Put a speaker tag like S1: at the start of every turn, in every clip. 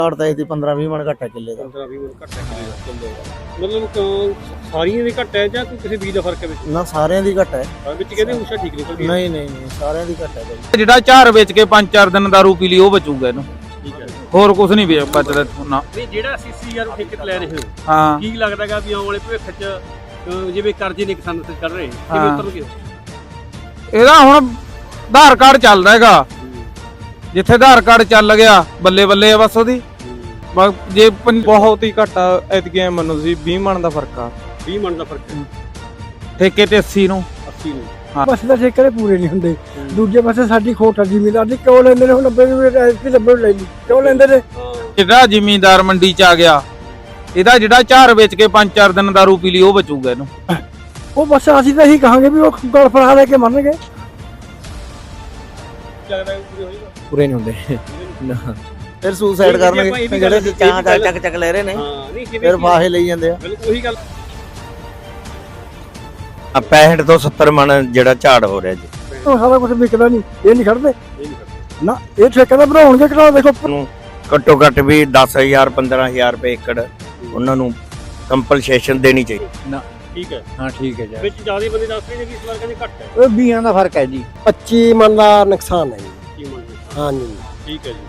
S1: ਤਾਂ ਇਹਦੀ 15-20 ਮਣ ਘੱਟ ਹੈ ਕਿੱਲੇ ਦਾ।
S2: 15-20 ਮਣ ਘੱਟ ਹੈ ਕਿੱਲੇ ਦਾ। ਮਤਲਬ ਸਾਰੀਆਂ ਦੀ ਘੱਟ ਹੈ ਜਾਂ ਕੋਈ ਕਿਸੇ ਬੀਜ ਦਾ ਫਰਕ ਹੈ ਵਿੱਚ?
S1: ਨਾ ਸਾਰਿਆਂ ਦੀ ਘੱਟ ਹੈ
S2: ਵਿੱਚ ਕਹਿੰਦੇ ਊਸ਼ਾ ਠੀਕ ਨਿਕਲਦੀ ਹੈ।
S1: ਨਹੀਂ ਸਾਰਿਆਂ ਦੀ ਘੱਟ ਹੈ ਬਾਈ।
S3: ਜਿਹੜਾ ਝਾੜ ਵੇਚ ਕੇ 5-4 ਦਿਨ ਦਾਰੂ ਪੀ ਲਈ ਉਹ ਬਚੂਗਾ ਇਹਨੂੰ।
S2: ਠੀਕ ਹੈ,
S3: ਹੋਰ ਕੁਝ ਨਹੀਂ ਬਚਦਾ ਨਾ।
S2: ਨਹੀਂ ਜਿਹੜਾ 80,000 ਨੂੰ ਠੇਕੇ ਤੇ ਲੈ ਰਹੇ ਹੋ,
S3: ਹਾਂ,
S2: ਕੀ ਲੱਗਦਾਗਾ ਵੀ ਆਉਣ ਵਾਲੇ ਭਵਿੱਖ 'ਚ ਜਿਵੇਂ ਕਰਜ਼ੇ ਨੇ ਕਿਸਾਨਾਂ ਤੇ ਚੜ ਰਹੇ ਕਿਵੇਂ ਉਤਰਨਗੇ?
S3: ਇਹਦਾ ਹੁਣ ਆਧਾਰ ਕਾਰਡ ਚੱਲਦਾ ਹੈਗਾ, ਜਿੱਥੇ ਆਧਾਰ ਕਾਰਡ ਚੱਲ ਗਿਆ ਬੱਲੇ ਬੱਲੇ ਆ ਬਸ ਉਹਦੀ। ਜੇ ਬਹੁਤ ਹੀ ਘੱਟ ਐਤਕੀ ਮੰਨੋ ਤੁਸੀਂ 20 ਮਣ ਦਾ ਫਰਕ ਆ।
S2: 20 ਮਣ ਦਾ ਫਰਕ ਹੈ
S3: ਠੇਕੇ ਤੇ 80 ਨੂੰ।
S4: ਬਸ ਤਾਂ ਠੇਕੇ ਪੂਰੇ ਨਹੀਂ ਹੁੰਦੇ। ਦੂਜੇ ਪਾਸੇ ਸਾਡੀ ਖੋਟ ਆ ਜ਼ਿਮੀਦਾਰ ਦੀ। ਕਿਉਂ ਲੈਂਦੇ ਨੇ? ਹੁਣ 90 ਲੈ ਲਈ ਕਿਉਂ ਲੈਂਦੇ ਨੇ?
S3: ਜਿਹੜਾ ਜ਼ਿਮੀਂਦਾਰ ਮੰਡੀ ਚ ਆ ਗਿਆ, ਇਹਦਾ ਜਿਹੜਾ ਝਾੜ ਵੇਚ ਕੇ 5-4 ਦਿਨ ਦਾਰੂ ਪੀ ਲਈ ਉਹ ਬਚੂਗਾ ਇਹਨੂੰ।
S4: ਉਹ ਬਸ ਅਸੀਂ ਤਾਂ ਇਹੀ ਕਹਾਂਗੇ ਵੀ ਉਹ ਗਲ ਫੜਾ ਲੈ ਕੇ ਮੰਨਣਗੇ।
S1: ਪੂਰੇ ਨਹੀਂ ਹੁੰਦੇ ਫਿਰ ਸੁਸਾਈਡ ਕਰਨਗੇ ਜਿਹੜੇ ਚਾਹ ਚੱਕ ਲੈ ਰਹੇ ਨੇ, ਫਿਰ ਫਾਹੇ ਲਈ ਜਾਂਦੇ ਆ।
S2: ਬਿਲਕੁਲ ਉਹੀ ਗੱਲ।
S5: 65 ਤੋਂ 70 ਮਣ ਜਿਹੜਾ ਝਾੜ ਹੋ ਰਿਹਾ ਜੀ।
S4: ਉਹ ਸਾਰਾ ਕੁਝ ਵਿਕਦਾ ਨਹੀਂ, ਇਹ ਨਹੀਂ ਖੜਦੇ ਨਾ। ਇਹ ਠੇਕੇ ਦਾ ਬਣਾਉਣਗੇ ਕਿਹੜਾ? ਦੇਖੋ
S5: ਘੱਟੋ ਘੱਟ ਵੀ 10,000 15,000 ਰੁਪਏ ਏਕੜ ਉਹਨਾਂ ਨੂੰ ਕੰਪਨਸੇਸ਼ਨ ਦੇਣੀ ਚਾਹੀਦੀ।
S2: ਠੀਕ ਹੈ,
S3: ਹਾਂ ਠੀਕ ਹੈ ਜੀ।
S2: ਵਿੱਚ ਜਿਆਦਾ ਬੰਦੇ ਦੱਸ ਰਹੇ ਨੇ ਕਿ ਇਸ ਵਾਰ ਕਹਿੰਦੇ ਘੱਟ ਹੈ।
S4: ਉਹ 20 ਦਾ ਫਰਕ ਹੈ ਜੀ। 25 ਮਣ ਦਾ ਨੁਕਸਾਨ ਹੈ ਜੀ।
S2: 25 ਮਣ ਦਾ।
S4: ਹਾਂ ਜੀ,
S2: ਠੀਕ ਹੈ ਜੀ।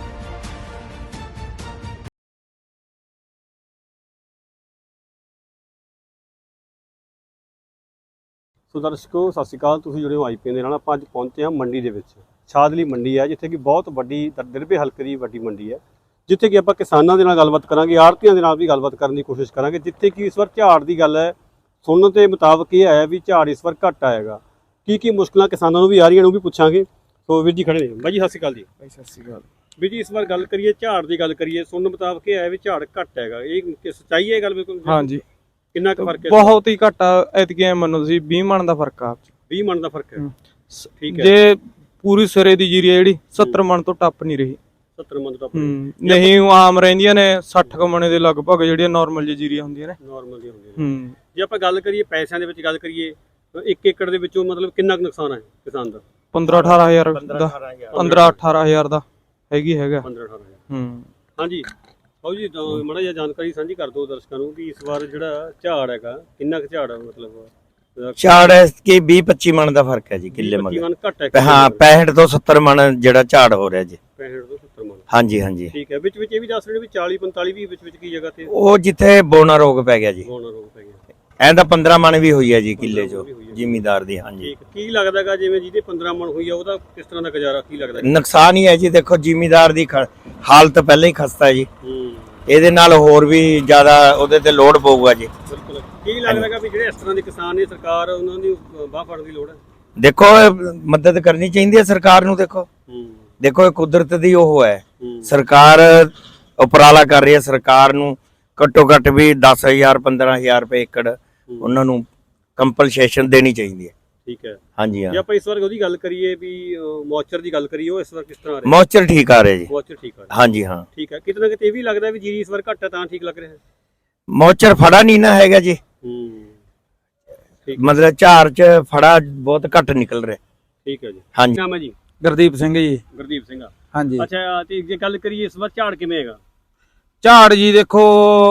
S2: ਸੋ ਦਰਸ਼ਕੋ ਸਤਿ ਸ਼੍ਰੀ ਅਕਾਲ, ਤੁਸੀਂ ਜੁੜੇ ਹੋ IPN ਦੇ ਨਾਲ। ਆਪਾਂ ਅੱਜ ਪਹੁੰਚੇ ਹਾਂ ਮੰਡੀ ਦੇ ਵਿੱਚ। ਛਾਦਲੀ ਮੰਡੀ ਹੈ, ਜਿੱਥੇ ਕਿ ਬਹੁਤ ਵੱਡੀ ਦਿਰਬੇ ਹਲਕੇ ਦੀ ਵੱਡੀ ਮੰਡੀ ਹੈ, ਜਿੱਥੇ ਕਿ ਆਪਾਂ ਕਿਸਾਨਾਂ ਦੇ ਨਾਲ ਗੱਲਬਾਤ ਕਰਾਂਗੇ, ਆੜ੍ਹਤੀਆਂ ਦੇ ਨਾਲ ਵੀ ਗੱਲਬਾਤ ਕਰਨ ਦੀ ਕੋਸ਼ਿਸ਼ ਕਰਾਂਗੇ। ਜਿੱਥੇ ਕਿ ਇਸ ਵਾਰ ਝਾੜ ਦੀ ਗੱਲ ਹੈ, ਸੁਣਨ ਦੇ ਮੁਤਾਬਕ ਇਹ ਆਇਆ ਵੀ ਝਾੜ ਇਸ ਵਾਰ ਘੱਟ ਆਏਗਾ। ਕੀ ਮੁਸ਼ਕਲਾਂ ਕਿਸਾਨਾਂ ਨੂੰ ਵੀ ਆ ਰਹੀਆਂ ਨੇ ਉਹ ਵੀ ਪੁੱਛਾਂਗੇ। ਸੋ ਵੀਰ ਜੀ ਖੜੇ ਨੇ। ਬਾਈ ਜੀ ਸਤਿ ਸ਼੍ਰੀ ਅਕਾਲ ਜੀ।
S1: ਸਤਿ ਸ਼੍ਰੀ ਅਕਾਲ
S2: ਵੀਰ ਜੀ, ਇਸ ਵਾਰ ਗੱਲ ਕਰੀਏ ਝਾੜ ਦੀ ਗੱਲ ਕਰੀਏ, ਸੁਣਨ ਮੁਤਾਬਕ ਇਹ ਆਇਆ ਵੀ ਝਾੜ ਘੱਟ ਹੈਗਾ। ਇਹ ਸੱਚਾਈ ਹੈ ਇਹ ਗੱਲ? ਬਿਲਕੁਲ।
S3: ਹਾਂਜੀ,
S2: ਕਿੰਨਾ ਕੁ ਫਰਕ ਹੈ?
S3: ਬਹੁਤ ਹੀ ਘੱਟ ਐਤਕੀ ਮੰਨੋ ਤੁਸੀਂ 20 ਮਣ ਦਾ ਫਰਕ ਆ।
S2: 20 ਮਣ ਦਾ ਫਰਕ ਹੈ। ਠੀਕ ਹੈ।
S3: ਜੇ ਪੂਰੀ ਸਿਰੇ ਦੀ ਜੀਰੀ ਜਿਹੜੀ 70 ਮਣ ਤੋਂ ਟੱਪ ਨਹੀਂ ਰਹੀ।
S2: 70 ਮਣ ਤੋਂ ਟੱਪ
S3: ਨਹੀਂ, ਆਮ ਰਹਿੰਦੀਆਂ ਨੇ 60 ਕ ਮਣੇ ਦੇ ਲਗਭਗ ਜਿਹੜੀਆਂ ਨਾਰਮਲ ਜੀ ਜੀਰੀਆਂ ਹੁੰਦੀਆਂ ਨੇ।
S2: ਨਾਰਮਲ ਦੀਆਂ ਹੁੰਦੀਆਂ ਨੇ। ਜੇ ਆਪਾਂ ਗੱਲ ਕਰੀਏ ਪੈਸਿਆਂ ਦੇ ਵਿੱਚ ਗੱਲ ਕਰੀਏ, 1 ਏਕੜ ਦੇ ਵਿੱਚੋਂ ਮਤਲਬ ਕਿੰਨਾ ਕੁ ਨੁਕਸਾਨ ਹੈ ਕਿਸਾਨ ਦਾ?
S3: 15-18 ਹਜ਼ਾਰ ਦਾ। 15-18 ਹਜ਼ਾਰ ਦਾ ਹੈਗਾ।
S2: 15-18 ਹਾਂਜੀ। ਆਓ ਜੀ ਮਾੜਾ ਜਿਹਾ ਜਾਣਕਾਰੀ ਸਾਂਝੀ ਕਰ ਦਿਓ ਦਰਸ਼ਕਾਂ ਨੂੰ ਕਿ ਇਸ ਵਾਰ ਜਿਹੜਾ ਝਾੜ ਹੈਗਾ ਕਿੰਨਾ ਕੁ ਝਾੜ ਹੈ? ਮਤਲਬ
S5: ਝਾੜ ਕਿ 20-25 ਮਣ ਦਾ ਫਰਕ ਹੈ ਜੀ ਕਿੱਲੇ ਮਗਰ।
S2: ਘੱਟ ਹੈ।
S5: ਹਾਂ, 65 ਤੋਂ 70 ਮਣ ਜਿਹੜਾ ਝਾੜ ਹੋ ਰਿਹਾ ਜੀ।
S2: 65 ਤੋਂ 70 ਮਣ।
S5: ਹਾਂਜੀ।
S2: ਠੀਕ ਹੈ। ਵਿੱਚ ਇਹ ਵੀ ਦੱਸ ਰਹੇ ਨੇ ਵੀ 40-45 ਵੀ ਵਿੱਚ ਕੀ ਜਗ੍ਹਾ ਤੇ
S5: ਉਹ ਜਿੱਥੇ ਬੋਨਾ ਰੋਗ ਪੈ ਗਿਆ ਜੀ।
S2: ਬੋਨਾ ਰੋਗ ਪੈ ਗਿਆ।
S5: ਐਂ ਤਾਂ 15 ਮਣ ਵੀ ਹੋਈ ਹੈ ਜੀ ਕਿੱਲੇ ਚੋਂ ਜ਼ਿਮੀਦਾਰ ਦੀ। ਹਾਂਜੀ।
S2: ਠੀਕ। ਕੀ ਲੱਗਦਾਗਾ ਜਿਵੇਂ ਜਿਹਦੇ 15 ਮਣ ਹੋਈ ਆ ਉਹਦਾ ਕਿਸ ਤਰ੍ਹਾਂ ਦਾ ਗੁਜ਼ਾਰਾ ਕੀ ਲੱਗਦਾ?
S5: ਨੁਕਸਾਨ ਹੀ ਹੈ ਜੀ। ਦੇਖੋ ਜ਼ਿਮੀਦਾਰ ਦੀ ਹਾਲਤ ਪਹਿਲਾਂ ਹੀ ਖਸਤਾ ਹੈ ਜੀ। ਇਹਦੇ ਨਾਲ ਹੋਰ ਵੀ ਜ਼ਿਆਦਾ ਉਹਦੇ ਤੇ ਲੋਡ ਪਊਗਾ ਜੀ।
S2: ਬਿਲਕੁਲ। ਕੀ ਲੱਗਦਾਗਾ ਵੀ ਜਿਹੜੇ ਇਸ ਤਰ੍ਹਾਂ ਦੇ ਕਿਸਾਨ ਨੇ, ਸਰਕਾਰ ਉਹਨਾਂ ਦੀ ਬਾਹ ਫੜਨ ਦੀ ਲੋੜ ਹੈ?
S5: ਦੇਖੋ ਮਦਦ ਕਰਨੀ ਚਾਹੀਦੀ ਹੈ ਸਰਕਾਰ ਨੂੰ। ਦੇਖੋ ਇਹ ਕੁਦਰਤ ਦੀ ਉਹ ਹੈ। ਸਰਕਾਰ ਉਪਰਾਲਾ ਕਰ ਰਹੀ ਹੈ। ਸਰਕਾਰ ਨੂੰ ਘੱਟੋ ਘੱਟ ਵੀ 10,000 15,000 ਰੁਪਏ ਏਕੜ ਉਹਨਾਂ ਨੂੰ ਕੰਪਨਸੇਸ਼ਨ ਦੇਣੀ ਚਾਹੀਦੀ ਹੈ।
S2: ਠੀਕ ਹੈ।
S5: ਹਾਂਜੀ।
S2: ਜੇ ਆਪਾਂ ਇਸ ਵਾਰ ਉਹਦੀ ਗੱਲ ਕਰੀਏ ਵੀ ਮੌਚਰ ਦੀ ਗੱਲ ਕਰੀਏ, ਉਹ ਇਸ ਵਾਰ ਕਿਸ ਤਰ੍ਹਾਂ ਆ ਰਿਹਾ?
S5: ਮੌਚਰ ਠੀਕ ਆ ਰਿਹਾ ਜੀ।
S2: ਮੌਚਰ ਠੀਕ ਆ ਰਿਹਾ।
S5: ਹਾਂਜੀ ਹਾਂ।
S2: ਠੀਕ ਹੈ। ਕਿਤੇ ਨਾ ਕਿਤੇ ਇਹ ਵੀ ਲੱਗਦਾ ਵੀ ਜੀਰੀ ਇਸ ਵਾਰ ਘੱਟ ਹੈ ਤਾਂ ਠੀਕ ਲੱਗ ਰਿਹਾ ਹੈ।
S5: ਮੌਚਰ ਫੜਾ ਨਹੀਂ ਨਾ ਹੈਗਾ ਜੀ।
S2: ਠੀਕ।
S5: ਮਤਲਬ ਝਾੜ ਚ ਫੜਾ ਬਹੁਤ ਘੱਟ ਨਿਕਲ ਰਿਹਾ।
S2: ਠੀਕ ਹੈ ਜੀ।
S5: ਹਾਂਜੀ।
S2: ਨਾਮ ਹੈ ਜੀ?
S3: ਗੁਰਦੀਪ ਸਿੰਘ ਜੀ।
S2: ਗੁਰਦੀਪ ਸਿੰਘ।
S3: ਹਾਂਜੀ।
S2: ਅੱਛਾ, ਤੇ ਜੇ ਗੱਲ ਕਰੀਏ ਇਸ ਵਾਰ ਝਾੜ ਕਿਵੇਂ ਹੈਗਾ?
S3: ਝਾੜ ਜੀ ਦੇਖੋ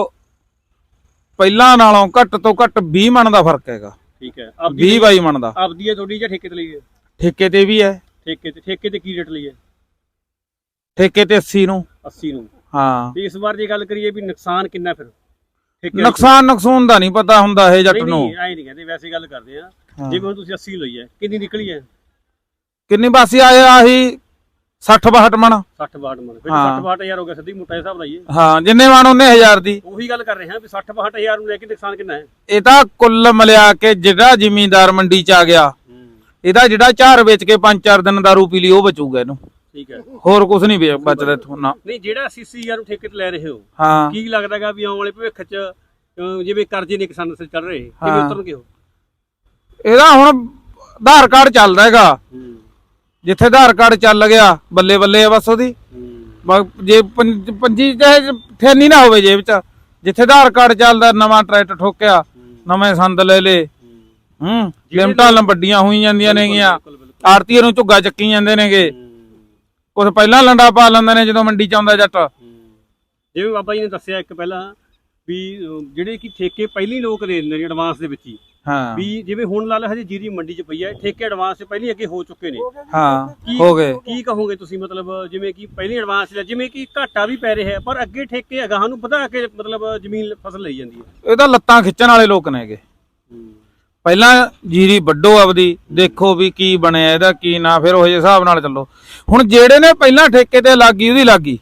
S3: ਪਹਿਲਾਂ ਨਾਲੋਂ ਘੱਟ ਤੋਂ ਘੱਟ 20 ਮਣ ਦਾ ਫਰਕ ਹੈਗਾ।
S2: ਠੀਕ ਹੈ।
S3: 20-22 ਮਣ ਦਾ।
S2: ਆਪਦੀ ਹੈ ਤੁਹਾਡੀ ਜਾਂ ਠੇਕੇ ਤੇ ਲਈ ਹੈ?
S3: ਠੇਕੇ ਤੇ ਵੀ ਹੈ।
S2: ਠੇਕੇ ਤੇ ਕੀ ਰੇਟ ਲਈ ਹੈ?
S3: ਠੇਕੇ ਤੇ 80 ਨੂੰ।
S2: 80 ਨੂੰ।
S3: ਹਾਂ।
S2: ਤੇ ਇਸ ਵਾਰ ਜੇ ਗੱਲ ਕਰੀਏ ਵੀ ਨੁਕਸਾਨ ਕਿੰਨਾ ਫਿਰ?
S3: ਨੁਕਸਾਨ ਦਾ ਨਹੀਂ ਪਤਾ ਹੁੰਦਾ ਇਹ ਜੱਟ ਨੂੰ।
S2: ਐ ਨਹੀਂ ਕਹਿੰਦੇ, ਵੈਸੇ ਗੱਲ ਕਰਦੇ ਆ। ਜਿਵੇਂ ਹੁਣ ਤੁਸੀਂ 80 ਲਈ ਹੈ, ਕਿੰਨੀ ਨਿਕਲੀ ਹੈ?
S3: ਕਿੰਨੀ ਬਾਸੀ ਆਏ ਆਹੀ 60-62 ਮਣ।
S2: 60-62 ਮਣ। ਫਿਰ 60-62 ਹਜ਼ਾਰ ਹੋ ਗਿਆ ਸਿੱਧੀ ਮੋਟਾ ਹਿਸਾਬ ਲਾਈਏ।
S3: ਹਾਂ, ਜਿੰਨੇ ਮਣ ਉਹਨੇ ਹਜ਼ਾਰ ਦੀ।
S2: ਉਹੀ ਗੱਲ ਕਰ ਰਹੇ ਹਾਂ ਵੀ 60-62 ਹਜ਼ਾਰ ਨੂੰ ਲੈ ਕੇ ਨੁਕਸਾਨ ਕਿੰਨਾ ਹੈ?
S3: ਇਹ ਤਾਂ ਕੁੱਲ ਮਿਲਿਆ ਕੇ ਜਿਹੜਾ ਜ਼ਿਮੀਂਦਾਰ ਮੰਡੀ ਚ ਆ ਗਿਆ, ਇਹਦਾ ਜਿਹੜਾ ਝਾੜ ਵੇਚ ਕੇ 5-4 ਦਿਨ ਦਾਰੂ ਪੀ ਲਈ ਉਹ ਬਚੂਗਾ ਇਹਨੂੰ।
S2: ਠੀਕ ਹੈ।
S3: ਹੋਰ ਕੁਝ ਨਹੀਂ ਬਚਦਾ ਇੱਥੋਂ ਨਾ।
S2: ਨਹੀਂ, ਜਿਹੜਾ 80,000 ਨੂੰ ਠੇਕੇ ਤੇ ਲੈ ਰਹੇ ਹੋ,
S3: ਹਾਂ,
S2: ਕੀ ਲੱਗਦਾਗਾ ਵੀ ਆਉਣ ਵਾਲੇ ਭਵਿੱਖ 'ਚ ਜਿਵੇਂ ਕਰਜ਼ੇ ਨੇ ਕਿਸਾਨਾਂ ਤੇ ਚੜ ਰਹੇ ਕਿਵੇਂ ਉਤਰਨਗੇ ਉਹ?
S3: ਇਹਦਾ ਹੁਣ ਆਧਾਰ ਕਾਰਡ ਚੱਲਦਾ ਹੈਗਾ, ਜਿੱਥੇ ਆਧਾਰ ਕਾਰਡ ਚੱਲ ਗਿਆ ਬੱਲੇ ਬੱਲੇ ਆ ਬਸ ਉਹਦੀ। ਜੇ ਪੰਜੀ ਥੈਨੀ ਨਾ ਹੋਵੇ ਜੇਬ ਚ, ਜਿੱਥੇ ਆਧਾਰ ਕਾਰਡ ਚੱਲਦਾ, ਨਵਾਂ ਟਰੈਕਟਰ ਠੋਕਿਆ, ਨਵੇਂ ਸੰਦ ਲੈ ਲੇ, ਲਿਮਟਾਂ ਵੱਡੀਆਂ ਹੋਈ ਜਾਂਦੀਆਂ ਨੇਗੀਆਂ, ਆੜਤੀਏ ਨੂੰ ਝੁੱਗਾ ਚੱਕੀ ਜਾਂਦੇ ਨੇਗੇ। ਕੁਛ ਪਹਿਲਾਂ ਲੰਡਾ ਪਾ ਲੈਂਦੇ ਨੇ ਜਦੋਂ ਮੰਡੀ ਚ ਆਉਂਦਾ ਜੱਟ,
S2: ਜਿਵੇਂ ਬਾਬਾ ਜੀ ਨੇ ਦੱਸਿਆ ਇੱਕ ਪਹਿਲਾਂ ਵੀ ਜਿਹੜੇ ਕਿ ਠੇਕੇ ਪਹਿਲੀ ਲੋਕ ਦੇ ਦਿੰਦੇ ਨੇ ਐਡਵਾਂਸ ਦੇ ਵਿੱਚ ਹੀ,
S3: ਹਾਂ
S2: ਵੀ ਜਿਵੇਂ ਹੁਣ ਲਾ ਲਓ ਹਜੇ ਜੀਰੀ ਮੰਡੀ 'ਚ ਪਈ ਹੈ, ਠੇਕੇ ਐਡਵਾਂਸ 'ਚ ਪਹਿਲੀ ਅੱਗੇ ਹੋ ਚੁੱਕੇ ਨੇ।
S3: ਹਾਂ
S2: ਕੀ
S3: ਹੋ ਗਏ।
S2: ਕੀ ਕਹੋਗੇ ਤੁਸੀਂ, ਮਤਲਬ ਜਿਵੇਂ ਕਿ ਪਹਿਲੀ ਐਡਵਾਂਸ ਲਿਆ, ਜਿਵੇਂ ਕਿ ਘਾਟਾ ਵੀ ਪੈ ਰਿਹਾ ਹੈ ਪਰ ਅੱਗੇ ਠੇਕੇ ਅਗਾਹਾਂ ਨੂੰ ਵਧਾ ਕੇ ਮਤਲਬ ਜ਼ਮੀਨ ਫਸਲ ਲਈ ਜਾਂਦੀ ਹੈ।
S3: ਇਹ ਤਾਂ ਲੱਤਾਂ ਖਿੱਚਣ ਵਾਲੇ ਲੋਕ ਨੇਗੇ। ਪਹਿਲਾਂ ਜੀਰੀ ਵੱਢੋ ਆਪਦੀ, ਦੇਖੋ ਵੀ ਕੀ ਬਣਿਆ ਇਹਦਾ ਕੀ ਨਾ, ਫਿਰ ਉਹ ਜਿਹੇ ਹਿਸਾਬ ਨਾਲ ਚੱਲੋ। ਹੁਣ ਜਿਹੜੇ ਨੇ ਪਹਿਲਾਂ ਠੇਕੇ ਤੇ ਲੱਗੀ ਉਹਦੀ ਲੱਗੀ,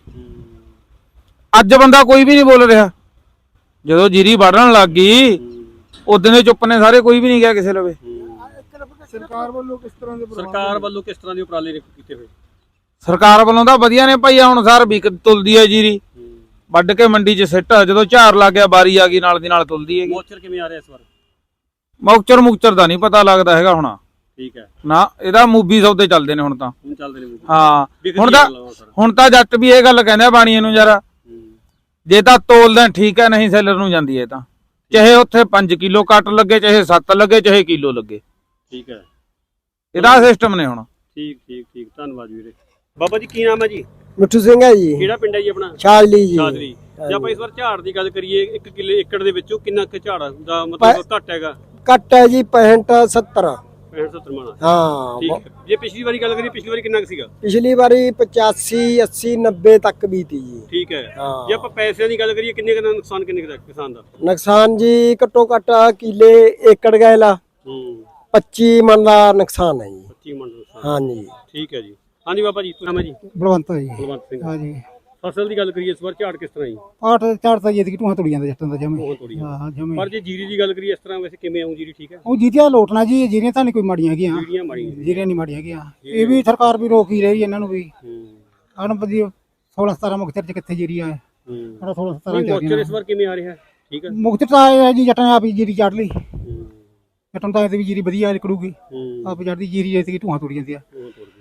S3: ਅੱਜ ਬੰਦਾ ਕੋਈ ਵੀ ਨਹੀਂ ਬੋਲ ਰਿਹਾ। ਜਦੋਂ ਜੀਰੀ ਵੱਢਣ ਲੱਗ ਗਈ ਉਦੋਂ ਦੇ ਚੁੱਪ ਨੇ ਸਾਰੇ, ਕੋਈ ਵੀ ਨਹੀਂ ਗਿਆ ਕਿਸੇ ਲਵੇ।
S4: ਸਰਕਾਰ ਵੱਲੋਂ ਕਿਸ ਤਰ੍ਹਾਂ ਦੇ
S2: ਕਿਸ ਤਰ੍ਹਾਂ ਦੇ ਉਪਰਾਲੇ ਨੇ ਕੀਤੇ ਹੋਏ?
S3: ਸਰਕਾਰ ਵੱਲੋਂ ਤਾਂ ਵਧੀਆ ਨੇ ਭਾਈ, ਹੁਣ ਸਾਰ ਵਿਕ ਤੁਲਦੀ ਹੈ ਜੀਰੀ, ਵੱਢ ਕੇ ਮੰਡੀ 'ਚ ਸਿੱਟ, ਜਦੋਂ ਝਾੜ ਲੱਗ ਗਿਆ ਬਾਰੀ ਆ ਗਈ ਨਾਲ ਦੀ ਨਾਲ ਤੁਲਦੀ ਹੈਗੀ।
S2: ਮੋਚਰ ਕਿਵੇਂ ਆ ਰਿਹਾ ਇਸ ਵਾਰ?
S3: ਮੁਕਚਰ ਦਾ ਨਹੀਂ ਪਤਾ ਲੱਗਦਾ ਹੈਗਾ ਹੁਣ।
S2: ਠੀਕ ਹੈ
S3: ਨਾ, ਇਹਦਾ ਮੂਵੀ ਸੌਦੇ ਚੱਲਦੇ ਨੇ ਹੁਣ ਤਾਂ।
S2: ਹੁਣ ਚੱਲਦੇ ਨੇ
S3: ਹਾਂ ਹੁਣ ਤਾਂ ਜੱਟ ਵੀ ਇਹ ਗੱਲ ਕਹਿੰਦੇ ਆ ਬਾਣੀਏ ਨੂੰ, ਯਾਰ ਜੇ ਤਾਂ ਤੋਲਦੇ ਠੀਕ ਹੈ, ਨਹੀਂ ਸੈਲਰ ਨੂੰ ਜਾਂਦੀ ਹੈ ਤਾਂ, ਚਾਹੇ ਉੱਥੇ 5 ਕਿਲੋ ਕੱਟ ਲੱਗੇ, ਚਾਹੇ 7 ਲੱਗੇ, ਚਾਹੇ ਕਿਲੋ ਲੱਗੇ।
S2: ਠੀਕ ਹੈ,
S3: ਇਹਦਾ ਸਿਸਟਮ ਨੇ ਹੁਣ।
S2: ਠੀਕ ਧੰਨਵਾਦ ਵੀਰੇ। ਬਾਬਾ ਜੀ ਕੀ ਨਾਮ ਹੈ ਜੀ?
S4: ਮਿੱਠੂ ਸਿੰਘ ਹੈ ਜੀ,
S2: ਕਿਹੜਾ ਪਿੰਡ ਹੈ ਜੀ ਆਪਣਾ?
S4: ਛਾਜਲੀ ਜੀ।
S2: ਛਾਜਲੀ। ਜੇ ਆਪਾਂ ਇਸ ਵਾਰ ਝਾੜ ਦੀ ਗੱਲ ਕਰੀਏ, 1 ਕਿੱਲੇ ਏਕੜ ਦੇ ਵਿੱਚੋਂ ਕਿੰਨਾ ਕੁ ਝਾੜ ਦਾ ਮਤਲਬ ਘੱਟ ਹੈਗਾ?
S4: ਕੱਟ ਹੈ ਜੀ 65 70।
S2: 65-70 ਮਣ।
S4: ਹਾਂ
S2: ਠੀਕ ਹੈ। ਜੇ ਪਿਛਲੀ ਵਾਰੀ ਗੱਲ ਕਰੀਏ, ਪਿਛਲੀ ਵਾਰੀ ਕਿੰਨਾ ਕੁ ਸੀਗਾ?
S4: ਪਿਛਲੀ ਵਾਰੀ 85 80 90 ਤੱਕ ਵੀ ਤੀ ਜੀ।
S2: ਠੀਕ ਹੈ।
S4: ਹਾਂ।
S2: ਜੇ ਆਪਾਂ ਪੈਸਿਆਂ ਦੀ ਗੱਲ ਕਰੀਏ, ਕਿੰਨੇ ਕੁ ਦਾ ਨੁਕਸਾਨ, ਕਿੰਨੇ ਕੁ ਦਾ ਕਿਸਾਨ ਦਾ
S4: ਨੁਕਸਾਨ ਜੀ ਘੱਟੋ ਘੱਟ ਕਿੱਲੇ ਏਕੜ ਗਏ ਲਾ 25 ਮਣ ਦਾ ਨੁਕਸਾਨ ਹੈ ਜੀ।
S2: 25 ਮਣ ਨੁਕਸਾਨ।
S4: ਹਾਂ ਜੀ।
S2: ਠੀਕ ਹੈ ਜੀ। ਹਾਂਜੀ ਬਾਬਾ ਜੀ, ਨਾਮ ਹੈ ਜੀ?
S4: ਬਲਵੰਤ ਜੀ।
S2: ਬਲਵੰਤ ਸਿੰਘ।
S4: ਹਾਂ ਜੀ।
S2: ਫਸਲ ਦੀ ਗੱਲ ਕਰੀਏ, ਇਸ ਵਾਰ ਝਾੜ ਕਿਸ ਤਰ੍ਹਾਂ ਜੀ?
S4: ਆਠ ਝਾੜ ਤਾਂ ਜਿੱਦ ਕੀ ਟੂਹਾਂ ਤੁੜੀ ਜਾਂਦਾ ਜੱਟਾਂ ਦਾ ਜਮੇ।
S2: ਬਹੁਤ ਥੋੜੀ।
S4: ਹਾਂ ਜਮੇ।
S2: ਪਰ ਜੇ ਜੀਰੀ ਦੀ ਗੱਲ ਕਰੀਏ ਇਸ ਤਰ੍ਹਾਂ, ਵੈਸੇ ਕਿਵੇਂ ਆਉਂ ਜੀਰੀ? ਠੀਕ ਹੈ।
S4: ਉਹ ਜੀਰੀਆਂ ਲੋਟਣਾ ਜੀ, ਜੀਰੀਆਂ ਤਾਂ ਨਹੀਂ ਕੋਈ ਮਾੜੀਆਂ ਹੈਗੀਆਂ।
S2: ਜੀਰੀਆਂ ਮਾੜੀਆਂ।
S4: ਜੀਰੀਆਂ ਨਹੀਂ ਮਾੜੀਆਂ ਹੈਗੀਆਂ। ਇਹ ਵੀ ਸਰਕਾਰ ਵੀ ਰੋਕ ਹੀ ਰਹੀ ਇਹਨਾਂ ਨੂੰ ਵੀ। ਆਣ ਬਦੀ 16 17 ਮੁਕਤਰ ਚ ਕਿੱਥੇ ਜੀਰੀ ਆ? 16 17
S2: ਮੋਚਰ ਇਸ ਵਾਰ ਕਿਵੇਂ ਆ ਰਿਹਾ? ਠੀਕ ਹੈ।
S4: ਮੁਕਤਰ ਤਾਂ ਆਇਆ ਜੀ, ਜੱਟਾਂ ਨੇ ਆਪ ਹੀ ਜੀਰੀ ਚੜ ਲਈ। ਜੱਟਾਂ ਤਾਂ ਇਹ ਵੀ ਜੀਰੀ ਵਧੀਆ ਨਿਕਲੂਗੀ। ਆਪ ਚੜਦੀ ਜੀਰੀ ਜੈਸੇ ਕਿ ਟੂਹਾਂ ਤੁੜੀ ਜਾਂਦੀ ਆ।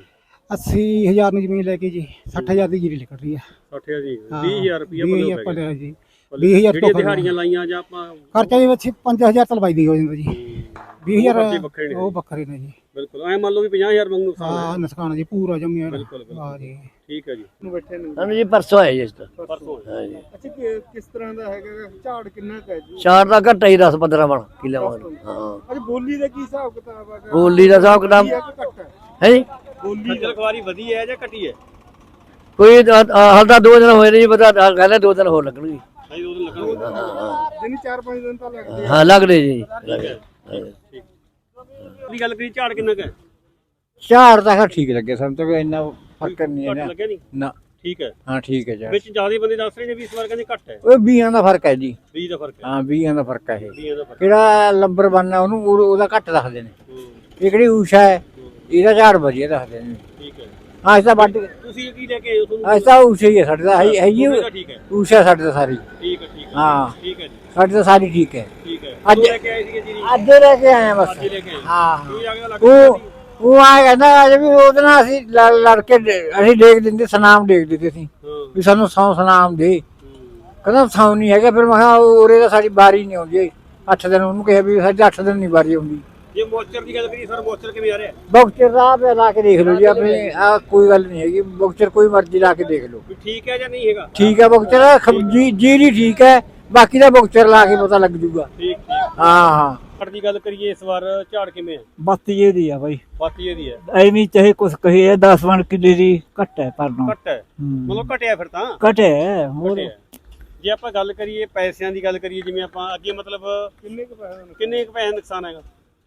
S4: 80,000 ਨੂੰ ਜ਼ਮੀਨ ਲੈ ਕੇ ਜੀ 60,000 ਦੀ ਜੀਰੀ ਨਿਕਲ ਰਹੀ ਆ।
S2: 60,000 ਜੀ, 20,000 ਰੁਪਇਆ
S4: ਪੱਲੇ ਜੀ। 20,000 ਤੋਂ
S2: ਦਿਹਾੜੀਆਂ ਲਾਈਆਂ ਜਾਂ ਆਪਾਂ
S4: ਖਰਚਾ ਜੀ 5,000 ਤਾਂ ਲਵਾਈ ਦੀ ਹੋ ਜਾਂਦਾ ਜੀ। 20,000
S2: ਵੱਖਰੇ ਨੇ।
S4: ਉਹ ਵੱਖਰੇ ਨੇ ਜੀ।
S2: ਬਿਲਕੁਲ। ਐ ਮੰਨ ਲਓ ਵੀ 50,000 ਵਾਂਗੂ ਨੁਕਸਾਨ ਹੈ।
S4: ਹਾਂ ਨੁਕਸਾਨ ਜੀ ਪੂਰਾ ਜੰਮਿਆ।
S2: ਬਿਲਕੁਲ
S4: ਹਾਂ ਜੀ।
S2: ਠੀਕ ਹੈ ਜੀ।
S1: ਸਾਨੂੰ ਜੀ ਪਰਸੋਂ ਆਏ ਜੀ ਇਸ ਤੋਂ।
S2: ਪਰਸੋਂ
S1: ਹਾਂ ਜੀ।
S4: ਅੱਛਾ ਕਿਸ ਤਰ੍ਹਾਂ ਦਾ ਹੈਗਾ ਝਾੜ ਕਿੰਨਾ ਹੈ ਜੀ?
S1: ਚਾਰ ਦਾ ਘੱਟਾ ਹੀ 10 15 ਮਣ ਕਿੱਲੇ ਵਾਂਗ। ਹਾਂ।
S4: ਅੱਛਾ ਬੋਲੀ ਦਾ ਕੀ ਹਿਸਾਬ ਕਿਤਾਬ ਹੈ?
S1: ਬੋਲੀ ਦਾ ਹਿਸਾਬ ਕਿਤਾਬ ਹੈ ਜੀ।
S2: ਬੋਲੀ ਖਲਖਵਾਰੀ ਵਧੀ ਹੈ ਜਾਂ ਘਟੀ ਹੈ?
S1: ਕੋਈ ਹਾਲ ਤਾਂ 2 ਦਿਨ ਹੋਏ ਨੇ ਜੀ, ਪਤਾ ਕਹਿੰਦੇ 2 ਦਿਨ ਹੋਰ ਲੱਗਣਗੇ।
S2: ਹਾਂਜੀ, 2 ਦਿਨ ਲੱਗਣਗੇ।
S4: ਦਿਨ 4-5 ਦਿਨ ਤਾਂ ਲੱਗਦੇ।
S1: ਹਾਂ ਲੱਗਦੇ ਜੀ।
S2: ਠੀਕ। ਦੀ ਗੱਲ ਕਰੀ, ਝਾੜ ਕਿੰਨਾ ਕੁ ਹੈ?
S6: ਝਾੜ ਤਾਂ ਠੀਕ ਲੱਗੇ ਸਾਨੂੰ ਤਾਂ, ਕੋਈ ਇੰਨਾ ਫਰਕ ਨਹੀਂ
S2: ਘੱਟ
S6: ਹੈ
S2: ਲੱਗਿਆ ਨਹੀਂ?
S6: ਨਾ।
S2: ਠੀਕ ਹੈ।
S6: ਹਾਂ ਠੀਕ ਹੈ ਜੀ।
S2: ਵਿੱਚ ਜ਼ਿਆਦਾ ਬੰਦੇ ਦੱਸ ਰਹੇ ਨੇ ਵੀ ਇਸ ਵਾਰ ਕਹਿੰਦੇ ਘੱਟ ਹੈ।
S6: ਉਹ ਬੀਆਂ ਦਾ ਫਰਕ ਹੈ ਜੀ।
S2: 20 ਦਾ ਫਰਕ ਹੈ।
S6: ਹਾਂ 20 ਦਾ ਫਰਕ ਹੈ ਇਹ।
S2: 20 ਦਾ ਫਰਕ।
S6: ਕਿਹੜਾ ਲੰਬਰ ਬਣਨਾ ਉਹਨੂੰ ਉਹਦਾ ਘੱਟ ਦੱਸਦੇ ਨੇ। ਇਹ ਕਿਹੜੀ ਊਸ਼ਾ ਹੈ ਇਹਦਾ ਝਾੜ ਵਧੀਆ ਦੱਸਦੇ ਨੇ।
S2: ਠੀਕ ਹੈ।
S6: ਹਾਂ ਇਸ ਤਾਂ ਵੱਢ
S2: ਤੁਸੀਂ ਕੀ ਲੈ ਕੇ ਆਏ ਹੋ? ਤੁਹਾਨੂੰ
S6: ਅੱਜ ਤਾਂ ਊਸ਼ਾ ਹੀ ਹੈ ਸਾਡੇ ਦਾ, ਹੈ ਜੀ
S2: ਠੀਕ ਹੈ।
S6: ਊਸ਼ਾ ਸਾਡੇ ਦਾ ਸਾਰੀ।
S2: ਠੀਕ ਹੈ। ਠੀਕ ਹੈ।
S6: ਹਾਂ
S2: ਠੀਕ ਹੈ ਜੀ।
S6: ਸਾਡੇ ਤਾਂ ਸਾਰੀ ਠੀਕ ਹੈ।
S2: ਠੀਕ ਹੈ।
S6: ਅੱਜ
S2: ਲੈ ਕੇ ਆਏ ਸੀਗੇ ਜੀਰੀ?
S6: ਅੱਜ ਲੈ ਕੇ ਆਏ ਆ ਬਸ।
S2: ਅੱਜ ਲੈ ਕੇ ਆਏ?
S6: ਹਾਂ
S2: ਕੋਈ ਆ ਗਿਆ ਲੱਗ
S6: ਉਹ ਆ ਕਹਿੰਦਾ ਅੱਜ ਵੀ ਉਹਦੇ ਨਾਲ ਅਸੀਂ ਲੜ ਕੇ ਅਸੀਂ ਡੇਕ ਦਿੰਦੇ, ਸਨਾਮ ਡੇਕ ਦਿੰਦੇ ਸੀ ਵੀ ਸਾਨੂੰ ਸੌ ਸਨਾਮ ਦੇ। ਕਹਿੰਦਾ ਸੌ ਨਹੀਂ ਹੈਗਾ। ਫਿਰ ਮੈਂ ਕਿਹਾ ਉਰੇ ਤਾਂ ਸਾਡੀ ਵਾਰੀ ਨਹੀਂ ਆਉਂਦੀ। 8 ਦਿਨ ਉਹਨੂੰ ਕਿਹਾ ਵੀ ਸਾਡੀ 8 ਦਿਨ ਨਹੀਂ ਵਾਰੀ ਆਉਂਦੀ।
S2: ਜੇ ਮੋਚਰ ਦੀ ਗੱਲ ਕਰੀਏ ਸਰ, ਮੋਚਰ ਕਿਵੇਂ ਆ ਰਿਹਾ?
S6: ਬੌਕਚਰ ਦਾ ਲਾ ਕੇ ਦੇਖ ਲਓ ਜੀ ਆਪਣੇ। ਆ ਕੋਈ ਗੱਲ ਨਹੀਂ ਹੈਗੀ, ਬੌਕਚਰ ਕੋਈ ਮਰਜ਼ੀ ਲਾ ਕੇ ਦੇਖ ਲਓ।
S2: ਵੀ ਠੀਕ ਹੈ ਜਾਂ ਨਹੀਂ ਹੈਗਾ?
S6: ਠੀਕ ਹੈ ਬੌਕਚਰ ਜੀਰੀ ਠੀਕ ਹੈ, ਬਾਕੀ ਦਾ ਬੌਕਚਰ ਲਾ ਕੇ ਪਤਾ ਲੱਗ ਜੂਗਾ।
S2: ਠੀਕ।
S6: ਹਾਂ
S2: ਝਾੜ ਦੀ ਗੱਲ ਕਰੀਏ ਇਸ ਵਾਰ ਝਾੜ ਕਿਵੇਂ ਹੈ?
S7: ਬੱਤੀ ਦੀ ਆ ਬਾਈ,
S2: ਬਾਕੀ ਇਹਦੀ ਹੈ
S7: ਐਵੇਂ ਚਾਹੇ ਕੁਛ ਕਹੀਏ 10 ਮਣ ਕਿੱਲੇ ਦੀ ਘੱਟ ਹੈ ਪਰ ਨੂੰ
S2: ਘੱਟ ਹੈ। ਮਤਲਬ ਘਟਿਆ ਫਿਰ ਤਾਂ।
S7: ਘਟੇ ਹੋਰ।
S2: ਘਟਿਆ। ਜੇ ਆਪਾਂ ਗੱਲ ਕਰੀਏ ਪੈਸਿਆਂ ਦੀ ਗੱਲ ਕਰੀਏ, ਜਿਵੇਂ ਆਪਾਂ ਅੱਗੇ ਮਤਲਬ ਕਿੰਨੇ ਕੁ ਪੈਸੇ ਨੁਕਸਾਨ ਹੈਗਾ?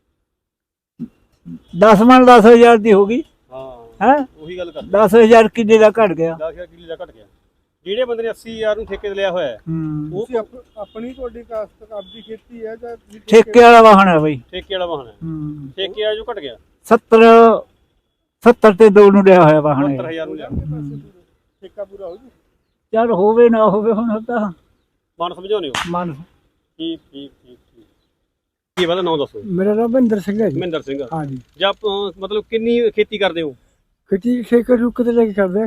S7: 10 ਮਣ 10,000 ਦੀ ਹੋ ਗਈ
S2: ਹਾਂ
S7: ਹੈ।
S2: ਉਹੀ ਗੱਲ ਕਰ।
S7: 10,000 ਕਿੱਲੇ ਦਾ ਘਟ ਗਿਆ।
S2: 10,000 ਕਿੱਲੇ ਦਾ ਘਟ ਗਿਆ। ਜਿਹੜੇ ਬੰਦੇ ਨੇ 80,000 ਨੂੰ ਠੇਕੇ ਤੇ ਲਿਆ ਹੋਇਆ ਹੈ, ਉਹ
S4: ਆਪਣੀ ਤੁਹਾਡੀ ਕਾਸਤ ਆਪਦੀ ਖੇਤੀ ਹੈ ਜਾਂ
S7: ਠੇਕੇ ਵਾਲਾ ਵਾਹਣ ਹੈ ਬਾਈ।
S2: ਠੇਕੇ ਵਾਲਾ ਵਾਹਨ ਹੈ। ਠੇਕੇ ਵਾਲਾ ਜੋ ਘਟ ਗਿਆ।
S7: 70 ਤੇ 2 ਨੂੰ ਲਿਆ ਹੋਇਆ ਵਾਹਣ।
S2: 70,000 ਨੂੰ ਲਿਆ।
S4: ਠੇਕਾ ਪੂਰਾ ਹੋ ਜੀ।
S7: ਚੱਲ ਹੋਵੇ ਨਾ ਹੋਵੇ ਹੁਣ ਤਾਂ
S2: ਮਨ ਸਮਝਾਉਣੇ ਹੋ।
S7: ਮਨ।
S2: ਠੀਕ। ਕੀ ਵਾਲਾ ਨਾਮ ਦੱਸੋ?
S4: ਮੇਰਾ ਨਾਮ ਮਹਿੰਦਰ ਸਿੰਘ ਹੈ ਜੀ।
S2: ਮਹਿੰਦਰ ਸਿੰਘ।
S4: ਹਾਂ ਜੀ।
S2: ਜਾਂ ਮਤਲਬ ਕਿੰਨੀ ਖੇਤੀ ਕਰਦੇ ਹੋ?
S4: ਖੇਤੀ ਠੇਕੇ ਰੁੱਕ ਤੇ ਲੈ ਕੇ ਕਰਦੇ ਆ।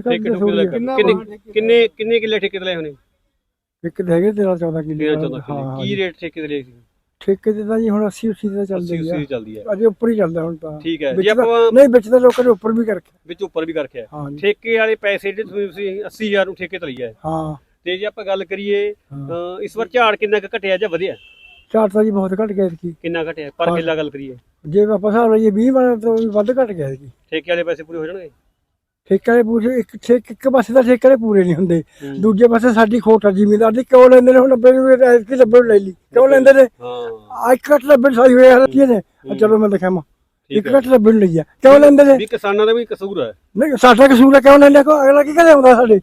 S2: ਕਿੰਨੇ ਕਿੱਲੇ ਠੇਕੇ ਤੇ ਲਏ ਹੋਣੇ?
S4: ਇੱਕ ਤੇ ਹੈਗੇ 13-14 ਕਿੱਲੇ।
S2: 13-14 ਕਿੱਲੇ। ਕੀ ਰੇਟ ਠੇਕੇ ਤੇ ਲਏ ਸੀ?
S4: ਠੇਕੇ ਤੇ ਤਾਂ ਜੀ ਹੁਣ 80-80 ਦਾ ਚੱਲਦਾ
S2: 80 ਚੱਲਦੀ ਹੈ।
S4: ਅਜੇ ਉੱਪਰ ਹੀ ਚੱਲਦਾ ਹੁਣ ਤਾਂ।
S2: ਠੀਕ ਹੈ।
S4: ਵਿੱਚ
S2: ਜੇ ਆਪਾਂ
S4: ਨਹੀਂ ਵਿੱਚ ਤਾਂ ਲੋਕਾਂ ਨੇ ਉੱਪਰ ਵੀ ਕਰਕੇ।
S2: ਵਿੱਚ ਉੱਪਰ ਵੀ ਕਰਕੇ
S4: ਹਾਂ ਜੀ।
S2: ਠੇਕੇ ਵਾਲੇ ਪੈਸੇ ਜਿਹੜੇ ਤੁਸੀਂ 80,000 ਨੂੰ ਠੇਕੇ ਤੇ ਲਈਆ,
S4: ਹਾਂ
S2: ਤੇ ਜੇ ਆਪਾਂ ਗੱਲ ਕਰੀਏ ਇਸ ਵਾਰ ਝਾੜ ਕਿੰਨਾ ਕੁ ਘਟਿਆ ਜਾਂ ਵਧਿਆ?
S4: ਝਾੜ ਤਾਂ ਜੀ ਬਹੁਤ ਘਟ ਗਿਆ ਸੀ।
S2: ਕਿੰਨਾ ਘਟਿਆ ਪਰ ਕਿੱਲਾ ਗੱਲ ਕਰੀਏ?
S4: ਜੇ ਆਪਾਂ ਹਿਸਾਬ ਲਾਈਏ 20 ਮਣ ਤੋਂ ਵੀ ਵੱਧ ਘਟ ਗਿਆ ਸੀ।
S2: ਠੇਕੇ ਵਾਲੇ ਪੈਸੇ ਪੂਰੇ ਹੋ ਜਾਣਗੇ?
S4: ਠੇਕੇ ਵਾਲੇ ਪੂਰੇ ਇੱਕ ਪਾਸੇ ਦਾ ਠੇਕੇ ਵਾਲੇ ਪੂਰੇ ਨਹੀਂ ਹੁੰਦੇ, ਦੂਜੇ ਪਾਸੇ ਸਾਡੀ ਖੋਟ ਆ ਜ਼ਿਮੀਂਦਾਰ ਦੀ। ਕਿਉਂ ਲੈਂਦੇ ਨੇ? ਹੁਣ 90 ਨੂੰ 90 ਨੂੰ ਲੈ ਲਈ, ਕਿਉਂ ਲੈਂਦੇ ਨੇ?
S2: ਹਾਂ
S4: ਇੱਕ ਘੱਟ 90 ਸਾਈ ਹੋਇਆ ਕੀ ਨੇ? ਚਲੋ ਮੈਂ ਦਿਖਾਵਾਂ, ਇੱਕ ਘੱਟ 90 ਨੂੰ ਲਈ ਆ, ਕਿਉਂ ਲੈਂਦੇ ਨੇ?
S2: ਵੀ ਕਿਸਾਨਾਂ ਦਾ ਵੀ ਕਸੂਰ ਹੈ।
S4: ਨਹੀਂ ਸਾਡਾ ਕਸੂਰ ਹੈ, ਕਿਉਂ ਲੈਂਦੇ? ਅਗਲਾ ਕੀ ਘਰੇ ਆਉਂਦਾ ਸਾਡੇ?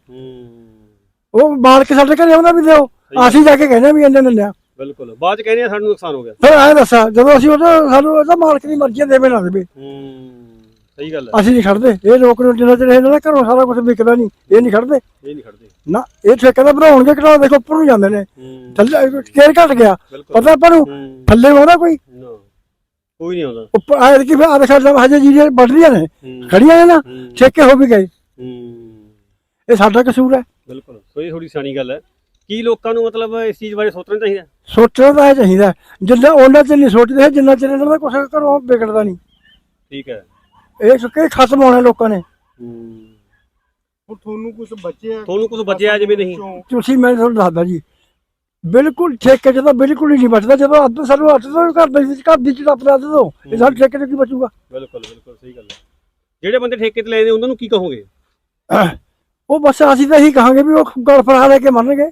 S4: ਉਹ ਮਾਲਕ ਸਾਡੇ ਘਰੇ ਆਉਂਦਾ ਵੀ ਦਿਓ, ਅਸੀਂ ਜਾ ਕੇ ਕਹਿੰਦੇ ਵੀ ਇੰਨੇ ਦਿੰਦੇ ਆ।
S2: ਬਿਲਕੁਲ, ਬਾਅਦ ਚ ਕਹਿੰਦੇ ਆ ਸਾਨੂੰ ਨੁਕਸਾਨ ਹੋ ਗਿਆ।
S4: ਫਿਰ ਐਂ ਦੱਸਾਂ, ਜਦੋਂ ਅਸੀਂ ਸਾਨੂੰ ਉਹਦਾ ਮਾਲਕ ਦੀ ਮਰਜ਼ੀ ਦੇਵੇ ਨਾ ਦੇਵੇ,
S2: ਸਹੀ ਗੱਲ ਹੈ।
S4: ਅਸੀਂ ਨਹੀਂ ਖੜਦੇ। ਇਹ ਲੋਕ ਨੂੰ ਜਿੰਨਾ ਚਿਰ ਇਹਨਾਂ ਦਾ ਘਰੋਂ ਸਾਰਾ ਕੁਝ ਵਿਕਦਾ ਨਹੀਂ, ਇਹ ਨਹੀਂ ਖੜਦੇ।
S2: ਇਹ ਨਹੀਂ ਖੜਦੇ
S4: ਨਾ, ਇਹ ਠੇਕੇ ਦਾ ਬਣਾਉਣਗੇ ਕਿਹੜਾ? ਦੇਖੋ ਉੱਪਰ ਨੂੰ ਜਾਂਦੇ ਨੇ, ਥੱਲੇ ਕੇਰ ਘਟ ਗਿਆ, ਪਤਾ ਆਪਾਂ ਨੂੰ ਥੱਲੇ ਆਉਂਦਾ ਕੋਈ?
S2: ਕੋਈ ਨਹੀਂ ਆਉਂਦਾ
S4: ਉੱਪਰ ਆਏ ਕਿ ਫਿਰ ਸਾਡਾ ਹਜੇ ਜੀ ਵੱਢ ਰਹੀਆਂ ਨੇ, ਖੜੀਆਂ ਨੇ ਨਾ, ਠੇਕੇ ਹੋ ਵੀ ਗਏ। ਇਹ ਸਾਡਾ ਕਸੂਰ ਹੈ।
S2: ਬਿਲਕੁਲ, ਸੋ ਇਹ ਥੋੜੀ ਸਿਆਣੀ ਗੱਲ ਹੈ। ਕੀ ਲੋਕਾਂ ਨੂੰ ਮਤਲਬ ਇਸ ਚੀਜ਼ ਬਾਰੇ ਸੋਚਣਾ ਚਾਹੀਦਾ?
S4: ਸੋਚਣਾ ਤਾਂ ਇਹ ਚਾਹੀਦਾ, ਜਿੰਨਾ ਉਹਨਾਂ ਚ ਨਹੀਂ ਸੋਚਦੇ, ਜਿੰਨਾ ਚਿਰ ਇਹਨਾਂ ਦਾ ਕੁਛ ਘਰੋਂ ਵਿਗੜਦਾ ਨਹੀਂ।
S2: ਠੀਕ ਹੈ,
S4: ਇਹ ਸੁੱਕੇ ਖਤਮ ਹੋਣਾ ਲੋਕਾਂ ਨੇ।
S2: ਤੁਹਾਨੂੰ ਕੁਝ ਬਚਿਆ ਜਿਵੇਂ ਨਹੀਂ?
S4: ਤੁਸੀਂ ਮੈਂ ਤੁਹਾਨੂੰ ਦੱਸਦਾ ਜੀ, ਬਿਲਕੁਲ ਠੇਕੇ 'ਚ ਤਾਂ ਬਿਲਕੁਲ ਹੀ ਨਹੀਂ ਬਚਦਾ। ਜਦੋਂ ਅੱਧ ਸਾਨੂੰ ਅੱਧ ਤੋਂ ਘਰ ਦੀ ਚੜਾਪਦਾ ਅੱਧ ਤੋਂ, ਇਹ ਸਾਡੇ ਠੇਕੇ 'ਚ ਕੀ ਬਚੂਗਾ?
S2: ਬਿਲਕੁਲ ਸਹੀ ਗੱਲ ਹੈ। ਜਿਹੜੇ ਬੰਦੇ ਠੇਕੇ ਤੇ ਲੈਂਦੇ ਉਹਨਾਂ ਨੂੰ ਕੀ ਕਹੋਗੇ?
S4: ਉਹ ਬਸ ਅਸੀਂ ਤਾਂ ਇਹੀ ਕਹਾਂਗੇ ਵੀ ਉਹ ਗਲ ਫੜਾ ਲੈ ਕੇ ਮੰਨਣਗੇ।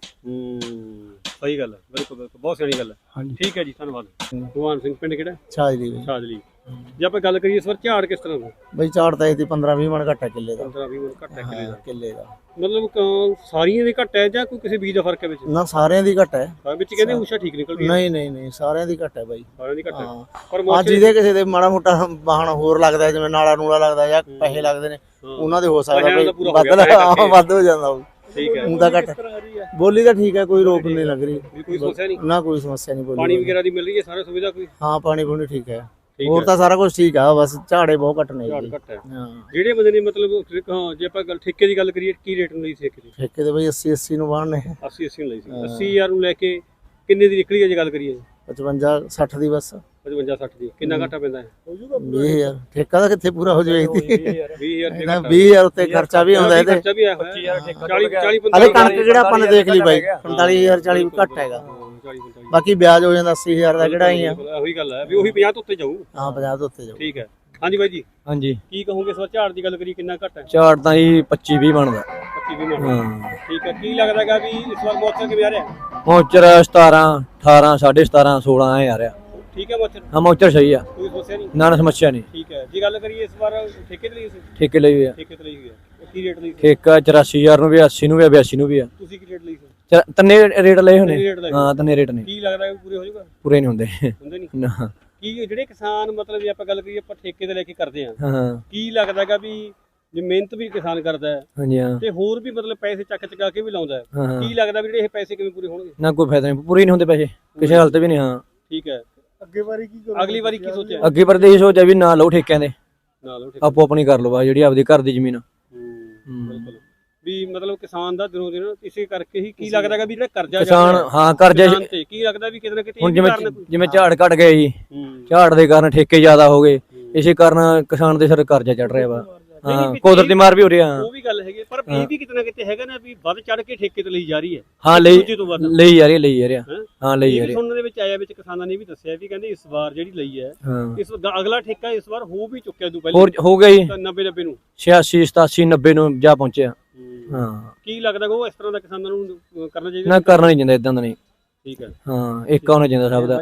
S2: ਸਹੀ ਗੱਲ ਹੈ, ਬਿਲਕੁਲ ਬਹੁਤ ਸਿਆਣੀ ਗੱਲ ਹੈ।
S4: ਹਾਂਜੀ,
S2: ਠੀਕ ਹੈ ਜੀ, ਧੰਨਵਾਦ। ਭਗਵਾਨ ਸਿੰਘ, ਪਿੰਡ ਕਿਹੜਾ?
S1: ਛਾਜਲੀ
S2: ਛਾਜਲੀ। ਜੇ ਆਪਾਂ ਗੱਲ ਕਰੀਏ ਇਸ ਵਾਰ ਝਾੜ ਕਿਸ ਤਰ੍ਹਾਂ ਦਾ?
S1: ਬਈ ਝਾੜ ਤਾਂ ਇਹਦੀ 15-20 ਮਣ ਘੱਟ ਹੈ ਕਿੱਲੇ ਦਾ।
S2: 15-20 ਮਣ ਘੱਟ ਹੈ
S1: ਕਿੱਲੇ ਦਾ।
S2: ਮਤਲਬ ਸਾਰੀਆਂ ਦੇ ਘੱਟ ਹੈ ਜਾਂ ਕੋਈ ਕਿਸੇ ਬੀਜ ਦਾ ਫਰਕ ਹੈ ਵਿੱਚ?
S1: ਨਾ, ਸਾਰਿਆਂ ਦੀ ਘੱਟ ਹੈ।
S2: ਵਿੱਚ ਕਹਿੰਦੇ ਊਸ਼ਾ ਠੀਕ ਨਿਕਲਦੀ ਹੈ।
S1: ਨਹੀਂ ਸਾਰਿਆਂ ਦੀ ਘੱਟ ਹੈ ਬਾਈ,
S2: ਸਾਰਿਆਂ ਦੀ ਘੱਟ ਹੈ।
S1: ਪਰ ਜਿਹਦੇ ਕਿਸੇ ਦੇ ਮਾੜਾ ਮੋਟਾ ਵਾਹਣ ਹੋਰ ਲੱਗਦਾ, ਜਿਵੇਂ ਨਾਲਾ ਨੂਲਾ ਲੱਗਦਾ ਜਾਂ ਪੈਸੇ ਲੱਗਦੇ ਨੇ, ਉਹਨਾਂ ਦੇ ਹੋ ਸਕਦਾ ਬਈ ਵੱਧ ਹੋ ਜਾਂਦਾ।
S2: ਠੀਕ ਹੈ,
S1: ਉਹਦਾ ਘੱਟ ਬੋਲੀ ਤਾਂ ਠੀਕ ਹੈ, ਕੋਈ ਰੋਕ ਨਹੀਂ ਲੱਗ ਰਹੀ,
S2: ਕੋਈ ਸਮੱਸਿਆ ਨਹੀਂ
S1: ਨਾ ਕੋਈ ਸਮੱਸਿਆ ਨਹੀਂ।
S2: ਪਾਣੀ ਵਗੈਰਾ ਦੀ ਮਿਲ ਰਹੀ ਹੈ, ਸਾਰਾ ਸੁਵਿਧਾ ਕੋਈ?
S1: ਹਾਂ, ਪਾਣੀ ਪੂਣੀ ਠੀਕ ਹੈ, ਹੋਰ ਤਾਂ ਸਾਰਾ ਕੁਝ ਠੀਕ ਆ, ਬਸ ਝਾੜੇ ਬਹੁਤ ਘੱਟ ਨੇ।
S2: ਝਾੜ ਘੱਟ ਹੈ।
S1: ਹਾਂ,
S2: ਜਿਹੜੇ ਬੰਦੇ ਨੇ ਮਤਲਬ ਜੇ ਆਪਾਂ ਗੱਲ ਠੇਕੇ ਦੀ ਗੱਲ ਕਰੀਏ, ਕੀ ਰੇਟ ਨੂੰ ਲਈ ਸੀ ਠੇਕੇ ਦੀ?
S1: ਠੇਕੇ ਦੇ ਬਈ 80 ਨੂੰ ਬਾਹਰ ਨੇ।
S2: 80 ਨੂੰ ਲਈ ਸੀ। 80000 ਨੂੰ ਲੈ ਕੇ ਕਿੰਨੇ ਦੀ ਨਿਕਲੀ ਹੈ ਜੇ ਗੱਲ ਕਰੀਏ?
S1: 55-60 ਦੀ ਬਸ।
S2: 55-60 ਦੀ। ਕਿੰਨਾ ਘਾਟਾ ਪੈਂਦਾ ਹੈ?
S1: 20,000 ਠੇਕਾ ਦਾ ਕਿੱਥੇ ਪੂਰਾ ਹੋ ਜਾਵੇ?
S2: 20,000
S1: ਉੱਤੇ ਖਰਚਾ ਵੀ ਆਉਂਦਾ ਇਹਦੇ।
S2: ਖਰਚਾ ਵੀ ਆਇਆ ਹੋਇਆ 40-45।
S1: ਅਰੇ ਕਣਕ ਕਿਹੜਾ ਆਪਾਂ ਨੇ ਦੇਖ ਲਈ ਬਾਈ, 45,000 40 ਘੱਟ ਹੈਗਾ, ਬਾਕੀ ਵਿਆਜ ਹੋ ਜਾਂਦਾ 80,000 ਦਾ, ਕਿਹੜਾ ਹੀ ਆ।
S2: ਉਹੀ ਗੱਲ ਹੈ ਵੀ ਉਹੀ 50 ਤੋਂ ਉੱਤੇ ਜਾਊ।
S1: ਹਾਂ, 50 ਤੋਂ ਉੱਤੇ ਜਾਊ।
S2: ਠੀਕ ਹੈ। ਹਾਂਜੀ ਬਾਈ ਜੀ,
S3: ਹਾਂਜੀ,
S2: ਕੀ ਕਹੋਗੇ ਇਸ ਵਾਰ ਝਾੜ ਦੀ ਗੱਲ ਕਰੀ ਕਿੰਨਾ ਘੱਟ ਹੈ?
S3: ਝਾੜ ਤਾਂ ਜੀ 25-20 ਬਣਦਾ।
S2: 25-20 ਮਣ। ਠੀਕ ਹੈ। ਕੀ ਲੱਗਦਾਗਾ ਵੀ ਇਸ ਵਾਰ ਮੌਸਮ ਕਿਵੇਂ ਆ ਰਿਹਾ?
S3: ਮੌਚਰ 17 18 17.5 16 ਐ ਆ ਰਿਹਾ।
S2: ਠੀਕ ਹੈ ਮੌਸਮ?
S3: ਹਾਂ, ਮੌਚਰ ਸਹੀ ਆ,
S2: ਕੋਈ ਸਮੱਸਿਆ ਨਹੀਂ?
S3: ਨਾ ਸਮੱਸਿਆ ਨਹੀਂ।
S2: ਠੀਕ ਹੈ। ਜੇ ਗੱਲ ਕਰੀਏ ਇਸ ਵਾਰ ਠੇਕੇ ਤੇ ਲਈ ਸੀ?
S3: ਠੇਕੇ ਲਈ ਹੋਇਆ,
S2: ਠੇਕੇ ਤੇ ਲਈ ਹੋਈ ਹੈ। ਕੀ ਰੇਟ ਲਈ ਸੀ?
S3: ਠੇਕਾ 84,000 ਨੂੰ ਵੀ, 80 ਨੂੰ ਵੀ, 82 ਨੂੰ ਵੀ ਆ।
S2: ਤੁਸੀਂ ਕੀ ਰੇਟ ਲਈ ਸੀ?
S3: ਤੰਨੇ ਰੇਟ ਲਏ ਹੋਣੇ।
S2: ਰੇਟ ਲਏ?
S3: ਹਾਂ, ਤੰਨੇ ਰੇਟ ਨੇ।
S2: ਕੀ ਲੱਗਦਾ ਪੂਰੇ ਹੋ ਜਾਊਗਾ?
S3: ਪੂਰੇ ਨਹੀਂ ਹੁੰਦੇ
S2: ਹੁੰਦੇ ਨਹੀਂ
S3: ਨਾ।
S2: ਕੀ ਜਿਹੜੇ ਕਿਸਾਨ ਮਤਲਬ ਜੇ ਆਪਾਂ ਗੱਲ ਕਰੀਏ ਆਪਾਂ ਠੇਕੇ ਤੇ ਲੈ ਕੇ ਕਰਦੇ ਆ,
S3: ਹਾਂ,
S2: ਕੀ ਲੱਗਦਾਗਾ ਵੀ ਜੇ ਮਿਹਨਤ ਵੀ ਕਿਸਾਨ ਕਰਦਾ ਹੈ
S3: ਹਾਂਜੀ, ਹਾਂ,
S2: ਤੇ ਹੋਰ ਵੀ ਮਤਲਬ ਪੈਸੇ ਚੱਕ ਚਕਾ ਕੇ ਵੀ ਲਾਉਂਦਾ ਹੈ,
S3: ਹਾਂ,
S2: ਕੀ ਲੱਗਦਾ ਵੀ ਜਿਹੜੇ ਇਹ ਪੈਸੇ ਕਿਵੇਂ ਪੂਰੇ ਹੋਣਗੇ?
S3: ਨਾ ਕੋਈ ਫਾਇਦਾ ਨਹੀਂ, ਪੂਰੇ ਨਹੀਂ ਹੁੰਦੇ ਪੈਸੇ ਕਿਸੇ ਹਾਲਤ ਵੀ ਨਹੀਂ। ਹਾਂ,
S2: ਠੀਕ ਹੈ। ਅਗਲੀ ਵਾਰੀ ਕੀ ਸੋਚਿਆ?
S3: ਅੱਗੇ ਪਰਦੇਸ਼ ਸੋਚਿਆ ਵੀ ਨਾ ਲਓ ਠੇਕਿਆਂ ਦੇ,
S2: ਨਾਲ
S3: ਆਪੋ ਆਪਣੀ ਕਰ ਲਓ, ਜਿਹੜੀ ਆਪਦੀ ਘਰ ਦੀ ਜ਼ਮੀਨ।
S2: ਬਿਲਕੁਲ। ਵੀ ਮਤਲਬ ਕਿਸਾਨ ਦਾ ਦਿਨੋਂ ਦਿਨ ਇਸੇ ਕਰਕੇ ਹੀ ਕੀ ਲੱਗਦਾਗਾ ਵੀ ਜਿਹੜਾ ਕਰਜ਼ਾ
S3: ਕਿਸਾਨ, ਹਾਂ, ਕਰਜ਼ਾ
S2: ਤੇ ਕੀ ਲੱਗਦਾ ਵੀ ਕਿਤੇ ਨਾ ਕਿਤੇ
S3: ਹੁਣ ਜਿਵੇਂ ਝਾੜ ਘਟ ਗਏ ਜੀ, ਝਾੜ ਦੇ ਕਾਰਨ ਠੇਕੇ ਜ਼ਿਆਦਾ ਹੋ ਗਏ, ਇਸੇ ਕਾਰਨ ਕਿਸਾਨ ਦੇ ਸਿਰ ਕਰਜ਼ਾ ਚੜ ਰਿਹਾ ਵਾ। ਹਾਂ, ਕੁਦਰਤੀ ਮਾਰ ਵੀ ਹੋ ਰਿਹਾ।
S2: ਉਹ ਵੀ ਗੱਲ ਹੈਗੀ, ਪਰ ਇਹ ਵੀ ਕਿਤੇ ਨਾ ਕਿਤੇ ਹੈਗਾ ਨਾ ਵੀ ਵੱਧ ਚੜ ਕੇ ਠੇਕੇ ਤੇ ਲਈ ਜਾ ਰਹੀ ਹੈ।
S3: ਹਾਂ, ਲਈ ਜਾ ਰਹੀ
S2: ਹੈ।
S3: ਹਾਂ, ਲਈ ਜਾ ਰਹੀ।
S2: ਸੁਣਨ ਦੇ ਵਿੱਚ ਆਇਆ, ਵਿੱਚ ਕਿਸਾਨਾਂ ਨੇ ਵੀ ਦੱਸਿਆ ਵੀ ਕਹਿੰਦੇ ਇਸ ਵਾਰ ਜਿਹੜੀ ਲਈ ਹੈ, ਇਸ ਅਗਲਾ ਠੇਕਾ ਇਸ ਵਾਰ ਹੋ ਵੀ ਚੁੱਕਿਆ ਤੋਂ ਪਹਿਲਾਂ,
S3: ਹੋਰ ਹੋ ਗਿਆ ਜੀ
S2: 90-90 ਨੂੰ,
S3: 86 87 90 ਨੂੰ ਜਾ ਪਹੁੰਚਿਆ। ਹਾਂ,
S2: ਕੀ ਲੱਗਦਾ ਉਹ ਇਸ ਤਰ੍ਹਾਂ ਦਾ ਕਿਸਾਨਾਂ ਨੂੰ ਕਰਨਾ ਚਾਹੀਦਾ?
S3: ਨਾ, ਕਰਨਾ ਨਹੀਂ ਚਾਹੀਦਾ ਇਦਾਂ ਦਾ। ਨਹੀਂ,
S2: ਠੀਕ ਹੈ।
S3: ਹਾਂ, ਇੱਕ ਹੋਣਾ ਚਾਹੀਦਾ ਸਭ ਦਾ।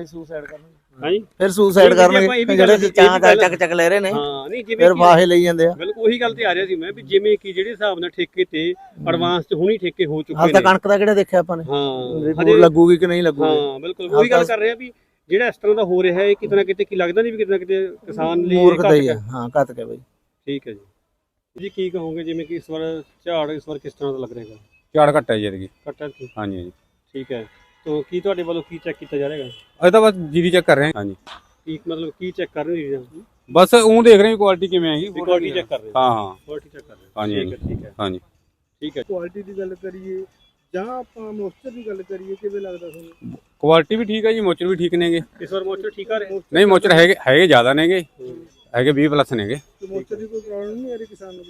S2: ਹਾਂਜੀ,
S1: ਫਿਰ ਸੁਸਾਈਡ ਕਰਨਗੇ ਜਿਹੜੇ ਚਾਹ ਚੱਕ ਲੈ ਰਹੇ ਨੇ।
S2: ਹਾਂ, ਨਹੀਂ ਜਿਵੇਂ
S1: ਫਿਰ ਫਾਹੇ ਲਈ ਜਾਂਦੇ ਆ।
S2: ਬਿਲਕੁਲ ਉਹੀ ਗੱਲ ਤੇ ਆ ਰਿਹਾ ਸੀ ਮੈਂ ਵੀ ਜਿਵੇਂ ਕਿ ਜਿਹੜੇ ਹਿਸਾਬ ਨਾਲ ਠੇਕੇ ਤੇ ਐਡਵਾਂਸ ਚ ਹੁਣੀ ਠੇਕੇ ਹੋ ਚੁੱਕੇ ਨੇ।
S1: ਹਾਲ ਤਾਂ ਕਣਕ ਦਾ ਕਿਹੜਾ ਦੇਖਿਆ ਆਪਾਂ ਨੇ?
S2: ਹਾਂ,
S1: ਲੱਗੂਗੀ ਕਿ ਨਹੀਂ ਲੱਗੂਗੀ?
S2: ਹਾਂ, ਬਿਲਕੁਲ ਉਹੀ ਗੱਲ ਕਰ ਰਹੇ ਆ ਵੀ ਜਿਹੜਾ ਇਸ ਤਰ੍ਹਾਂ ਦਾ ਹੋ ਰਿਹਾ ਹੈ, ਕਿਤੇ ਨਾ ਕਿਤੇ ਕੀ ਲੱਗਦਾ ਨਹੀਂ ਵੀ ਕਿਤੇ ਨਾ ਕਿਤੇ ਕਿਸਾਨ ਲਈ
S1: ਮੂਰਖਤਾ ਹੀ ਆ। ਹਾਂ, ਘੱਟ ਕੇ ਬਾਈ।
S2: ਠੀਕ ਹੈ ਜੀ, ਕੀ ਕਹੋਗੇ ਜਿਵੇਂ ਕਿ ਇਸ ਵਾਰ ਝਾੜ ਇਸ ਵਾਰ ਕਿਸ ਤਰ੍ਹਾਂ ਦਾ ਲੱਗ ਰਿਹਾ ਹੈ?
S8: ਝਾੜ ਘੱਟ ਹੈ ਜੀ ਐਤਕੀ।
S2: ਘੱਟ ਹੈ?
S8: ਹਾਂਜੀ ਹਾਂਜੀ।
S2: ਠੀਕ ਹੈ। ਤਾਂ ਕੀ ਤੁਹਾਡੇ ਵੱਲੋਂ ਕੀ ਚੈੱਕ ਕੀਤਾ ਜਾ ਰਿਹਾ ਹੈ?
S8: ਅਸੀਂ ਤਾਂ ਬਸ ਜੀਰੀ ਚੈੱਕ ਕਰ ਰਹੇ ਹਾਂ। ਹਾਂਜੀ,
S2: ਕੀ ਮਤਲਬ ਕੀ ਚੈੱਕ ਕਰ ਰਹੇ ਹੋ?
S8: ਬਸ ਉਹ ਦੇਖ ਰਹੇ ਹਾਂ ਕੁਆਲਿਟੀ ਕਿਵੇਂ ਹੈਗੀ।
S2: ਕੁਆਲਿਟੀ ਚੈੱਕ ਕਰ ਰਹੇ ਹੋ?
S8: ਹਾਂ ਹਾਂ,
S2: ਕੁਆਲਿਟੀ ਚੈੱਕ ਕਰ ਰਹੇ ਹੋ।
S8: ਹਾਂਜੀ
S2: ਠੀਕ ਹੈ, ਠੀਕ ਹੈ,
S8: ਹਾਂਜੀ,
S2: ਠੀਕ ਹੈ।
S4: ਕੁਆਲਿਟੀ ਦੀ ਗੱਲ ਕਰੀਏ ਜਾਂ ਆਪਾਂ ਮੋਇਸਚਰ ਦੀ ਗੱਲ ਕਰੀਏ, ਕਿਵੇਂ ਲੱਗਦਾ ਤੁਹਾਨੂੰ?
S8: ਕੁਆਲਿਟੀ ਵੀ ਠੀਕ ਹੈ ਜੀ, ਮੋਚਰ ਵੀ ਠੀਕ ਨੇਗੇ।
S2: ਇਸ ਵਾਰ ਮੋਚਰ ਠੀਕ ਆ ਰਹੇ?
S8: ਨਹੀਂ, ਮੋਚਰ ਹੈਗੇ ਜ਼ਿਆਦਾ ਨੇਗੇ, ਹੈਗੇ 20+ ਨੇਗੇ।
S4: ਮੋਇਸਚਰ ਦੀ ਕੋਈ ਪ੍ਰੋਬਲਮ ਨਹੀਂ ਆ ਰਹੀ ਕਿਸਾਨ ਨੂੰ?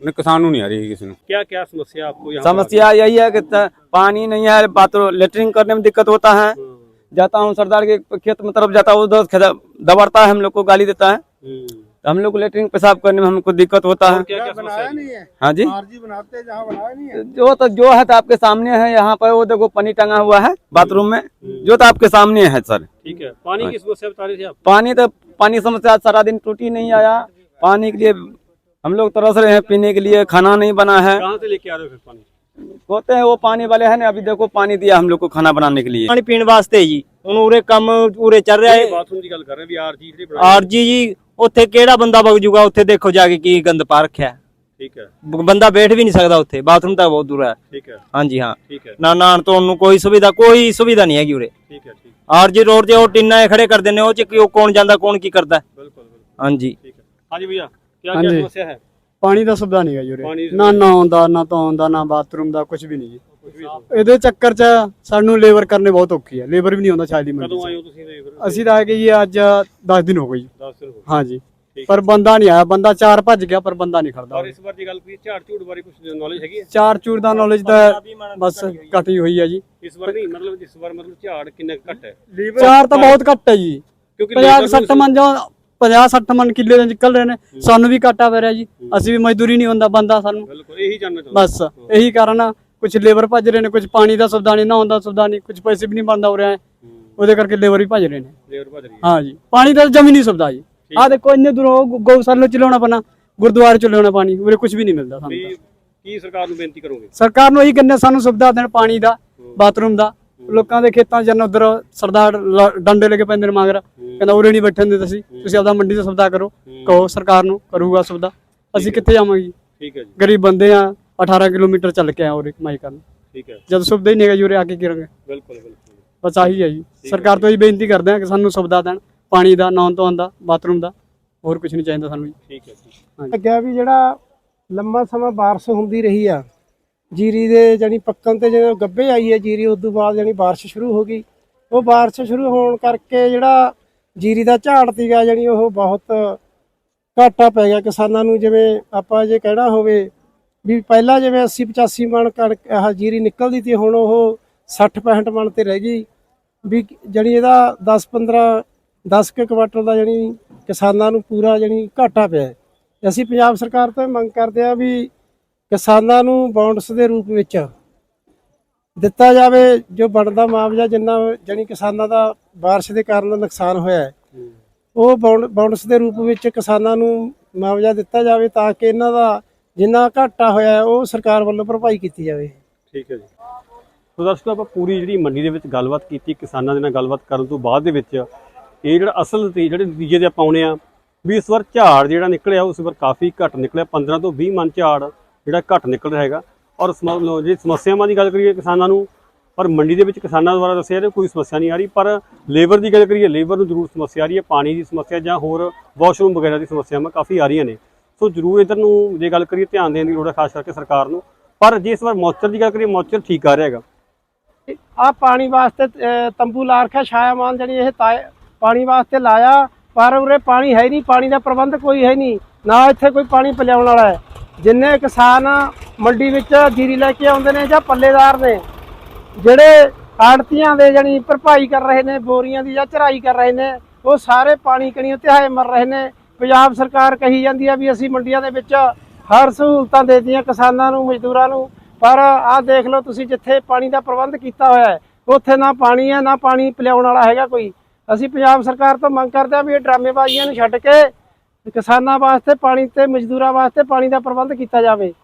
S8: किसान नहीं आ रही किसी ने।
S2: क्या क्या समस्या आपको यहाँ
S9: समस्या यही है कि पानी नहीं है, बाथरूम लेटरिन करने में दिक्कत होता है। जाता हूँ सरदार के खेत में तरफ जाता हूँ, उधर दबड़ता है, हम लोग को गाली देता है, तो हम लोग को लेटरिन पेशाब करने में हमको दिक्कत होता है।
S2: क्या क्या समस्या है?
S9: हाँ जी,
S4: बनाते जहाँ बनाया नहीं है।
S9: जो है तो आपके सामने है, यहाँ पर वो देखो पानी टंगा हुआ है बाथरूम में, जो तो आपके सामने है सर।
S2: ठीक है, पानी की समस्या बता रहे थे आप।
S9: पानी समस्या सारा दिन टूटी नहीं आया, पानी के लिए हम लोग तरस रहे हैं, पीने के लिए खाना नहीं बना है।
S2: कहाँ से लेके आ रहे हो फिर पानी?
S9: होते हैं वो पानी वाले है ना, अभी देखो पानी दिया हम लोग को खाना बनाने के लिए।
S1: ਪਾਣੀ ਪੀਣ ਵਾਸਤੇ ਜੀ ਹੁਣ ਉਰੇ ਕੰਮ ਉਰੇ ਚੱਲ ਰਿਹਾ ਹੈ।
S2: ਬਾਥਰੂਮ ਦੀ ਗੱਲ ਕਰ ਰਹੇ ਵੀ ਆਰਜੀ ਜਿਹੜੀ ਬਣਾਈ।
S1: ਆਰਜੀ ਜੀ ਉੱਥੇ ਕਿਹੜਾ ਬੰਦਾ ਵਗ ਜੂਗਾ, ਉੱਥੇ ਦੇਖੋ ਜਾ ਕੇ ਕੀ ਗੰਦ ਪਾ ਰੱਖਿਆ ਹੈ।
S2: ਠੀਕ ਹੈ,
S1: ਬੰਦਾ ਬੈਠ ਵੀ ਨਹੀਂ ਸਕਦਾ ਉੱਥੇ, ਬਾਥਰੂਮ ਤਾਂ ਬਹੁਤ ਦੂਰ ਹੈ।
S2: ਠੀਕ ਹੈ,
S1: ਹਾਂਜੀ ਹਾਂ,
S2: ਠੀਕ ਹੈ,
S1: ਨਾ ਨਹਾਉਣ ਧੋਣ ਨੂੰ ਕੋਈ ਸੁਵਿਧਾ ਨਹੀਂ ਹੈਗੀ ਉਰੇ।
S2: ਠੀਕ ਹੈ, ਠੀਕ
S1: ਆਰਜੀ ਰੋਡ ਤੇ ਉਹ ਟਿੰਨਾਂ ਖੜੇ ਕਰਦੇ ਨੇ, ਉਹ ਚ ਕੌਣ ਜਾਂਦਾ ਕੌਣ ਕੀ ਕਰਦਾ।
S2: ਬਿਲਕੁਲ ਬਿਲकुल।
S1: ਹਾਂਜੀ
S2: ਠੀਕ ਹੈ, ਹਾਂਜੀ ਭਈਆ क्या क्या समस्या है?
S4: ਪਾਣੀ ਦਾ ਸੁਵਿਧਾ ਨਹੀਂ ਹੈ ਜੀ
S2: ਪਾਣੀ
S4: ਉਰੇ, ਨਾ ਨਹਾਉਣ ਦਾ, ਨਾ ਧੋਣ ਦਾ, ਨਾ ਬਾਥਰੂਮ ਦਾ, ਕੁਝ ਵੀ ਨਹੀਂ ਜੀ। ਇਹਦੇ ਚੱਕਰ 'ਚ ਸਾਨੂੰ ਲੇਬਰ ਕਰਨੇ ਬਹੁਤ ਔਖੀ ਹੈ, ਲੇਬਰ ਵੀ ਨਹੀਂ ਆਉਂਦਾ ਛਾਜਲੀ ਮੰਡੀ
S2: ਕਦੋਂ ਆਏ
S4: 'ਚ।
S2: ਹੋ ਤੁਸੀਂ ਲੇਬਰ?
S4: ਅਸੀਂ ਤਾਂ ਆ ਗਏ ਜੀ ਅੱਜ 10 ਦਿਨ ਹੋ ਗਏ ਜੀ।
S2: 10 दिन हो गए।
S4: ਹਾਂ ਜੀ,
S2: ਠੀਕ
S4: ਪਰ ਬੰਦਾ ਨਹੀਂ ਆਇਆ, ਬੰਦਾ 4 ਭੱਜ ਗਿਆ, ਪਰ ਬੰਦਾ ਨਹੀਂ ਖੜਦਾ।
S2: ਔਰ ਇਸ ਵਾਰ ਦੀ ਗੱਲ ਕੀ ਝਾੜ ਝੂੜ ਬਾਰੇ ਕੁਝ ਨੌਲੇਜ ਹੈਗੀ ਹੈ?
S4: 4 ਚੂੜ ਦਾ ਨੌਲੇਜ ਤਾਂ ਬਸ ਘਟੀ ਹੋਈ ਹੈ ਜੀ।
S2: ਇਸ ਵਾਰ ਨਹੀਂ, ਮਤਲਬ ਇਸ ਵਾਰ ਮਤਲਬ ਝਾੜ ਕਿੰਨਾ ਕੁ ਘੱਟ ਹੈ?
S4: 4 ਤਾਂ ਬਹੁਤ ਘੱਟ ਹੈ ਜੀ।
S2: ਕਿਉਂਕਿ
S4: 50-60 ਮਨ ਜਾਂ 50-60 ਮਨ ਕਿੱਲੇ ਦੇ ਨਿਕਲ ਰਹੇ ਨੇ, ਸਾਨੂੰ ਵੀ ਘਾਟਾ ਪੈ ਰਿਹਾ ਜੀ। ਅਸੀਂ ਵੀ ਮਜ਼ਦੂਰੀ ਨਹੀਂ ਹੁੰਦਾ ਬੰਦਾ ਸਾਨੂੰ,
S2: ਬਿਲਕੁਲ ਇਹੀ ਜਾਣਨਾ ਚਾਹੁੰਦਾ।
S4: ਬਸ ਇਹੀ ਕਾਰਨ ਆ। ਕੁਝ ਲੇਬਰ ਭੱਜ ਰਹੇ ਨੇ, ਕੁਝ ਪਾਣੀ ਦਾ ਸੁਵਿਧਾ ਨਹੀਂ, ਨਹਾਉਣ ਦਾ ਸੁਵਿਧਾ ਨਹੀਂ, ਕੁਝ ਪੈਸੇ ਵੀ ਨਹੀਂ ਬਣਦਾ ਹੋ ਰਿਹਾ, ਉਹਦੇ ਕਰਕੇ ਲੇਬਰ ਵੀ ਭੱਜ ਰਹੇ ਨੇ।
S2: ਲੇਬਰ ਭੱਜ ਰਹੀ ਹੈ।
S4: ਹਾਂ ਜੀ, ਪਾਣੀ ਦਾ ਜਮੀ ਨਹੀਂ ਸੁਵਿਧਾ ਜੀ। ਆਹ ਦੇਖੋ ਇੰਨੇ ਦੂਰੋਂ ਗਊਸ਼ਾਲਾ ਚ ਲਿਆਉਣਾ ਪੈਣਾ, ਗੁਰਦੁਆਰੇ ਚ ਲਿਆਉਣਾ ਪਾਣੀ, ਉਰੇ ਕੁਝ ਵੀ ਨਹੀਂ ਮਿਲਦਾ ਸਾਨੂੰ ਤਾਂ।
S2: ਕੀ ਸਰਕਾਰ ਨੂੰ ਬੇਨਤੀ ਕਰੋਗੇ?
S4: ਸਰਕਾਰ ਨੂੰ ਇਹੀ ਕਹਿੰਦੇ ਸਾਨੂੰ ਸੁਵਿਧਾ ਦੇਣ, ਪਾਣੀ ਦਾ, ਬਾਥਰੂਮ ਦਾ। ਲੋਕਾਂ ਦੇ ਖੇਤਾਂ ਚ ਉਧਰ ਸਰਦਾਰ ਡੰਡੇ ਲੈ ਕੇ ਪੈਂਦੇ ਨੇ ਮਗਰ, ਕਹਿੰਦਾ ਉਰੇ ਨਹੀਂ ਬੈਠਣ ਦੇ ਤੁਸੀਂ ਆਪਦਾ ਮੰਡੀ ਦਾ ਸੁਵਿਧਾ ਕਰੋ, ਕਹੋ ਸਰਕਾਰ ਨੂੰ, ਕਰੂਗਾ ਸੁਵਿਧਾ। ਅਸੀਂ ਕਿੱਥੇ ਜਾਵਾਂਗੇ?
S2: ਠੀਕ ਹੈ ਜੀ,
S4: ਗਰੀਬ ਬੰਦੇ ਆ, 18 ਕਿਲੋਮੀਟਰ ਚੱਲ ਕੇ ਆ ਉਰੇ ਕਮਾਈ ਕਰਨ।
S2: ਠੀਕ ਹੈ,
S4: ਜਦ ਸੁਵਿਧਾ ਹੀ ਨਹੀਂ ਹੈਗਾ ਜੀ ਉਰੇ ਆ ਕੇ ਕਰਾਂਗੇ?
S2: ਬਿਲਕੁਲ ਬਿਲकुल।
S4: ਬਸ ਆਹੀ ਹੈ ਜੀ, ਸਰਕਾਰ ਤੋਂ ਹੀ ਬੇਨਤੀ ਕਰਦੇ ਆ ਕਿ ਸਾਨੂੰ ਸੁਵਿਧਾ ਦੇਣ, ਪਾਣੀ ਦਾ, ਨਹਾਉਣ ਧੋਣ ਦਾ, ਬਾਥਰੂਮ ਦਾ, ਹੋਰ ਕੁਝ ਨਹੀਂ ਚਾਹੀਦਾ ਸਾਨੂੰ ਜੀ।
S2: ਠੀਕ ਹੈ, ਠੀਕ।
S10: ਅੱਗੇ ਵੀ ਜਿਹੜਾ ਲੰਮਾ ਸਮਾਂ ਬਾਰਿਸ਼ ਹੁੰਦੀ ਰਹੀ ਆ, ਜੀਰੀ ਦੇ ਜਾਨੀ ਪੱਕਣ ਤੇ ਜਦੋਂ ਗੱਭੇ ਆਈ ਹੈ ਜੀਰੀ, ਉਸ ਤੋਂ ਬਾਅਦ ਜਾਨੀ ਬਾਰਿਸ਼ ਸ਼ੁਰੂ ਹੋ ਗਈ। ਉਹ ਬਾਰਿਸ਼ ਸ਼ੁਰੂ ਹੋਣ ਕਰਕੇ ਜਿਹੜਾ ਜੀਰੀ ਦਾ ਝਾੜ ਸੀਗਾ ਜਾਨੀ ਉਹ ਬਹੁਤ ਘਾਟਾ ਪੈ ਗਿਆ ਕਿਸਾਨਾਂ ਨੂੰ। ਜਿਵੇਂ ਆਪਾਂ ਜੇ ਕਹਿਣਾ ਹੋਵੇ ਵੀ ਪਹਿਲਾਂ ਜਿਵੇਂ 80-85 ਮਣ ਕਣਕ ਆਹ ਜੀਰੀ ਨਿਕਲਦੀ ਸੀ, ਹੁਣ ਉਹ 60-65 ਮਣ ਤੇ ਰਹਿ ਗਈ। ਵੀ ਜਾਨੀ ਇਹਦਾ 10 ਕੁਆਂਟਲ ਦਾ ਜਾਨੀ ਕਿਸਾਨਾਂ ਨੂੰ ਪੂਰਾ ਜਾਨੀ ਘਾਟਾ ਪਿਆ। ਅਸੀਂ ਪੰਜਾਬ ਸਰਕਾਰ ਤੋਂ ਮੰਗ ਕਰਦੇ ਆ ਵੀ ਕਿਸਾਨਾਂ ਨੂੰ ਬੌਂਡਸ ਦੇ ਰੂਪ ਵਿੱਚ ਦਿੱਤਾ ਜਾਵੇ ਜੋ ਬਣਦਾ ਮੁਆਵਜ਼ਾ, ਜਿੰਨਾ ਜਾਨੀ ਕਿਸਾਨਾਂ ਦਾ ਬਾਰਿਸ਼ ਦੇ ਕਾਰਨ ਨੁਕਸਾਨ ਹੋਇਆ ਹੈ, ਉਹ ਬੌਂਡਸ ਦੇ ਰੂਪ ਵਿੱਚ ਕਿਸਾਨਾਂ ਨੂੰ ਮੁਆਵਜ਼ਾ ਦਿੱਤਾ ਜਾਵੇ, ਤਾਂ ਕਿ ਇਹਨਾਂ ਦਾ ਜਿੰਨਾ ਘਾਟਾ ਹੋਇਆ ਉਹ ਸਰਕਾਰ ਵੱਲੋਂ ਭਰਪਾਈ ਕੀਤੀ ਜਾਵੇ।
S2: ਠੀਕ ਹੈ ਜੀ। ਸੋ ਦਰਸ਼ਕੋ, ਆਪਾਂ ਪੂਰੀ ਜਿਹੜੀ ਮੰਡੀ ਦੇ ਵਿੱਚ ਗੱਲਬਾਤ ਕੀਤੀ, ਕਿਸਾਨਾਂ ਦੇ ਨਾਲ ਗੱਲਬਾਤ ਕਰਨ ਤੋਂ ਬਾਅਦ ਦੇ ਵਿੱਚ ਇਹ ਜਿਹੜਾ ਅਸਲ ਤੇ ਜਿਹੜੇ ਨਤੀਜੇ ਦੇ ਆਪਾਂ ਆਉਣੇ ਆ ਵੀ ਇਸ ਵਾਰ ਝਾੜ ਜਿਹੜਾ ਨਿਕਲਿਆ ਉਸ ਵਾਰ ਕਾਫੀ ਘੱਟ ਨਿਕਲਿਆ। 15 ਤੋਂ 20 ਮਣ ਝਾੜ ਜਿਹੜਾ ਘੱਟ ਨਿਕਲ ਰਿਹਾ ਹੈਗਾ। ਔਰ ਜੇ ਸਮੱਸਿਆਵਾਂ ਦੀ ਗੱਲ ਕਰੀਏ ਕਿਸਾਨਾਂ ਨੂੰ, ਪਰ ਮੰਡੀ ਦੇ ਵਿੱਚ ਕਿਸਾਨਾਂ ਦੁਆਰਾ ਦੱਸਿਆ ਜਾ ਕੋਈ ਸਮੱਸਿਆ ਨਹੀਂ ਆ ਰਹੀ। ਪਰ ਲੇਬਰ ਦੀ ਗੱਲ ਕਰੀਏ, ਲੇਬਰ ਨੂੰ ਜ਼ਰੂਰ ਸਮੱਸਿਆ ਆ ਰਹੀ ਹੈ। ਪਾਣੀ ਦੀ ਸਮੱਸਿਆ ਜਾਂ ਹੋਰ ਵਾਸ਼ਰੂਮ ਵਗੈਰਾ ਦੀ ਸਮੱਸਿਆਵਾਂ ਕਾਫੀ ਆ ਰਹੀਆਂ ਨੇ। ਸੋ ਜ਼ਰੂਰ ਇੱਧਰ ਨੂੰ ਜੇ ਗੱਲ ਕਰੀਏ ਧਿਆਨ ਦੇਣ ਦੀ ਲੋੜ ਹੈ, ਖਾਸ ਕਰਕੇ ਸਰਕਾਰ ਨੂੰ। ਪਰ ਜੇ ਇਸ ਵਾਰ ਮੌਚਰ ਦੀ ਗੱਲ ਕਰੀਏ, ਮੌਚਰ ਠੀਕ ਆ ਰਿਹਾ ਹੈਗਾ।
S10: ਆ ਪਾਣੀ ਵਾਸਤੇ ਤੰਬੂ ਲਾ ਰੱਖਿਆ, ਛਾਇਆਮਾਨ ਜਾਨੀ ਇਹ ਪਾਣੀ ਵਾਸਤੇ ਲਾਇਆ, ਪਰ ਉਰੇ ਪਾਣੀ ਹੈ ਨਹੀਂ, ਪਾਣੀ ਦਾ ਪ੍ਰਬੰਧ ਕੋਈ ਹੈ ਨਹੀਂ, ਨਾ ਇੱਥੇ ਕੋਈ ਪਾਣੀ ਪਿਲਾਉਣ ਵਾਲਾ ਹੈ। ਜਿੰਨੇ ਕਿਸਾਨ ਮੰਡੀ ਵਿੱਚ ਜੀਰੀ ਲੈ ਕੇ ਆਉਂਦੇ ਨੇ ਜਾਂ ਪੱਲੇਦਾਰ ਨੇ, ਜਿਹੜੇ ਆੜਤੀਆਂ ਦੇ ਜਾਨੀ ਭਰਪਾਈ ਕਰ ਰਹੇ ਨੇ ਬੋਰੀਆਂ ਦੀ ਜਾਂ ਚੜਾਈ ਕਰ ਰਹੇ ਨੇ, ਉਹ ਸਾਰੇ ਪਾਣੀ ਕਣੀਓ ਤਿਹਾਏ ਮਰ ਰਹੇ ਨੇ। ਪੰਜਾਬ ਸਰਕਾਰ ਕਹੀ ਜਾਂਦੀ ਆ ਵੀ ਅਸੀਂ ਮੰਡੀਆਂ ਦੇ ਵਿੱਚ ਹਰ ਸਹੂਲਤਾਂ ਦੇ ਦਿੱਤੀਆਂ ਕਿਸਾਨਾਂ ਨੂੰ, ਮਜ਼ਦੂਰਾਂ ਨੂੰ, ਪਰ ਆਹ ਦੇਖ ਲਓ ਤੁਸੀਂ, ਜਿੱਥੇ ਪਾਣੀ ਦਾ ਪ੍ਰਬੰਧ ਕੀਤਾ ਹੋਇਆ ਹੈ ਉੱਥੇ ਨਾ ਪਾਣੀ ਹੈ, ਨਾ ਪਾਣੀ ਪਿਲਾਉਣ ਵਾਲਾ ਹੈਗਾ ਕੋਈ। ਅਸੀਂ ਪੰਜਾਬ ਸਰਕਾਰ ਤੋਂ ਮੰਗ ਕਰਦੇ ਆ ਵੀ ਇਹ ਡਰਾਮੇਬਾਜ਼ੀਆਂ ਨੂੰ ਛੱਡ ਕੇ ਕਿਸਾਨਾਂ ਵਾਸਤੇ ਪਾਣੀ ਤੇ ਮਜ਼ਦੂਰਾਂ ਵਾਸਤੇ ਪਾਣੀ ਦਾ ਪ੍ਰਬੰਧ ਕੀਤਾ ਜਾਵੇ।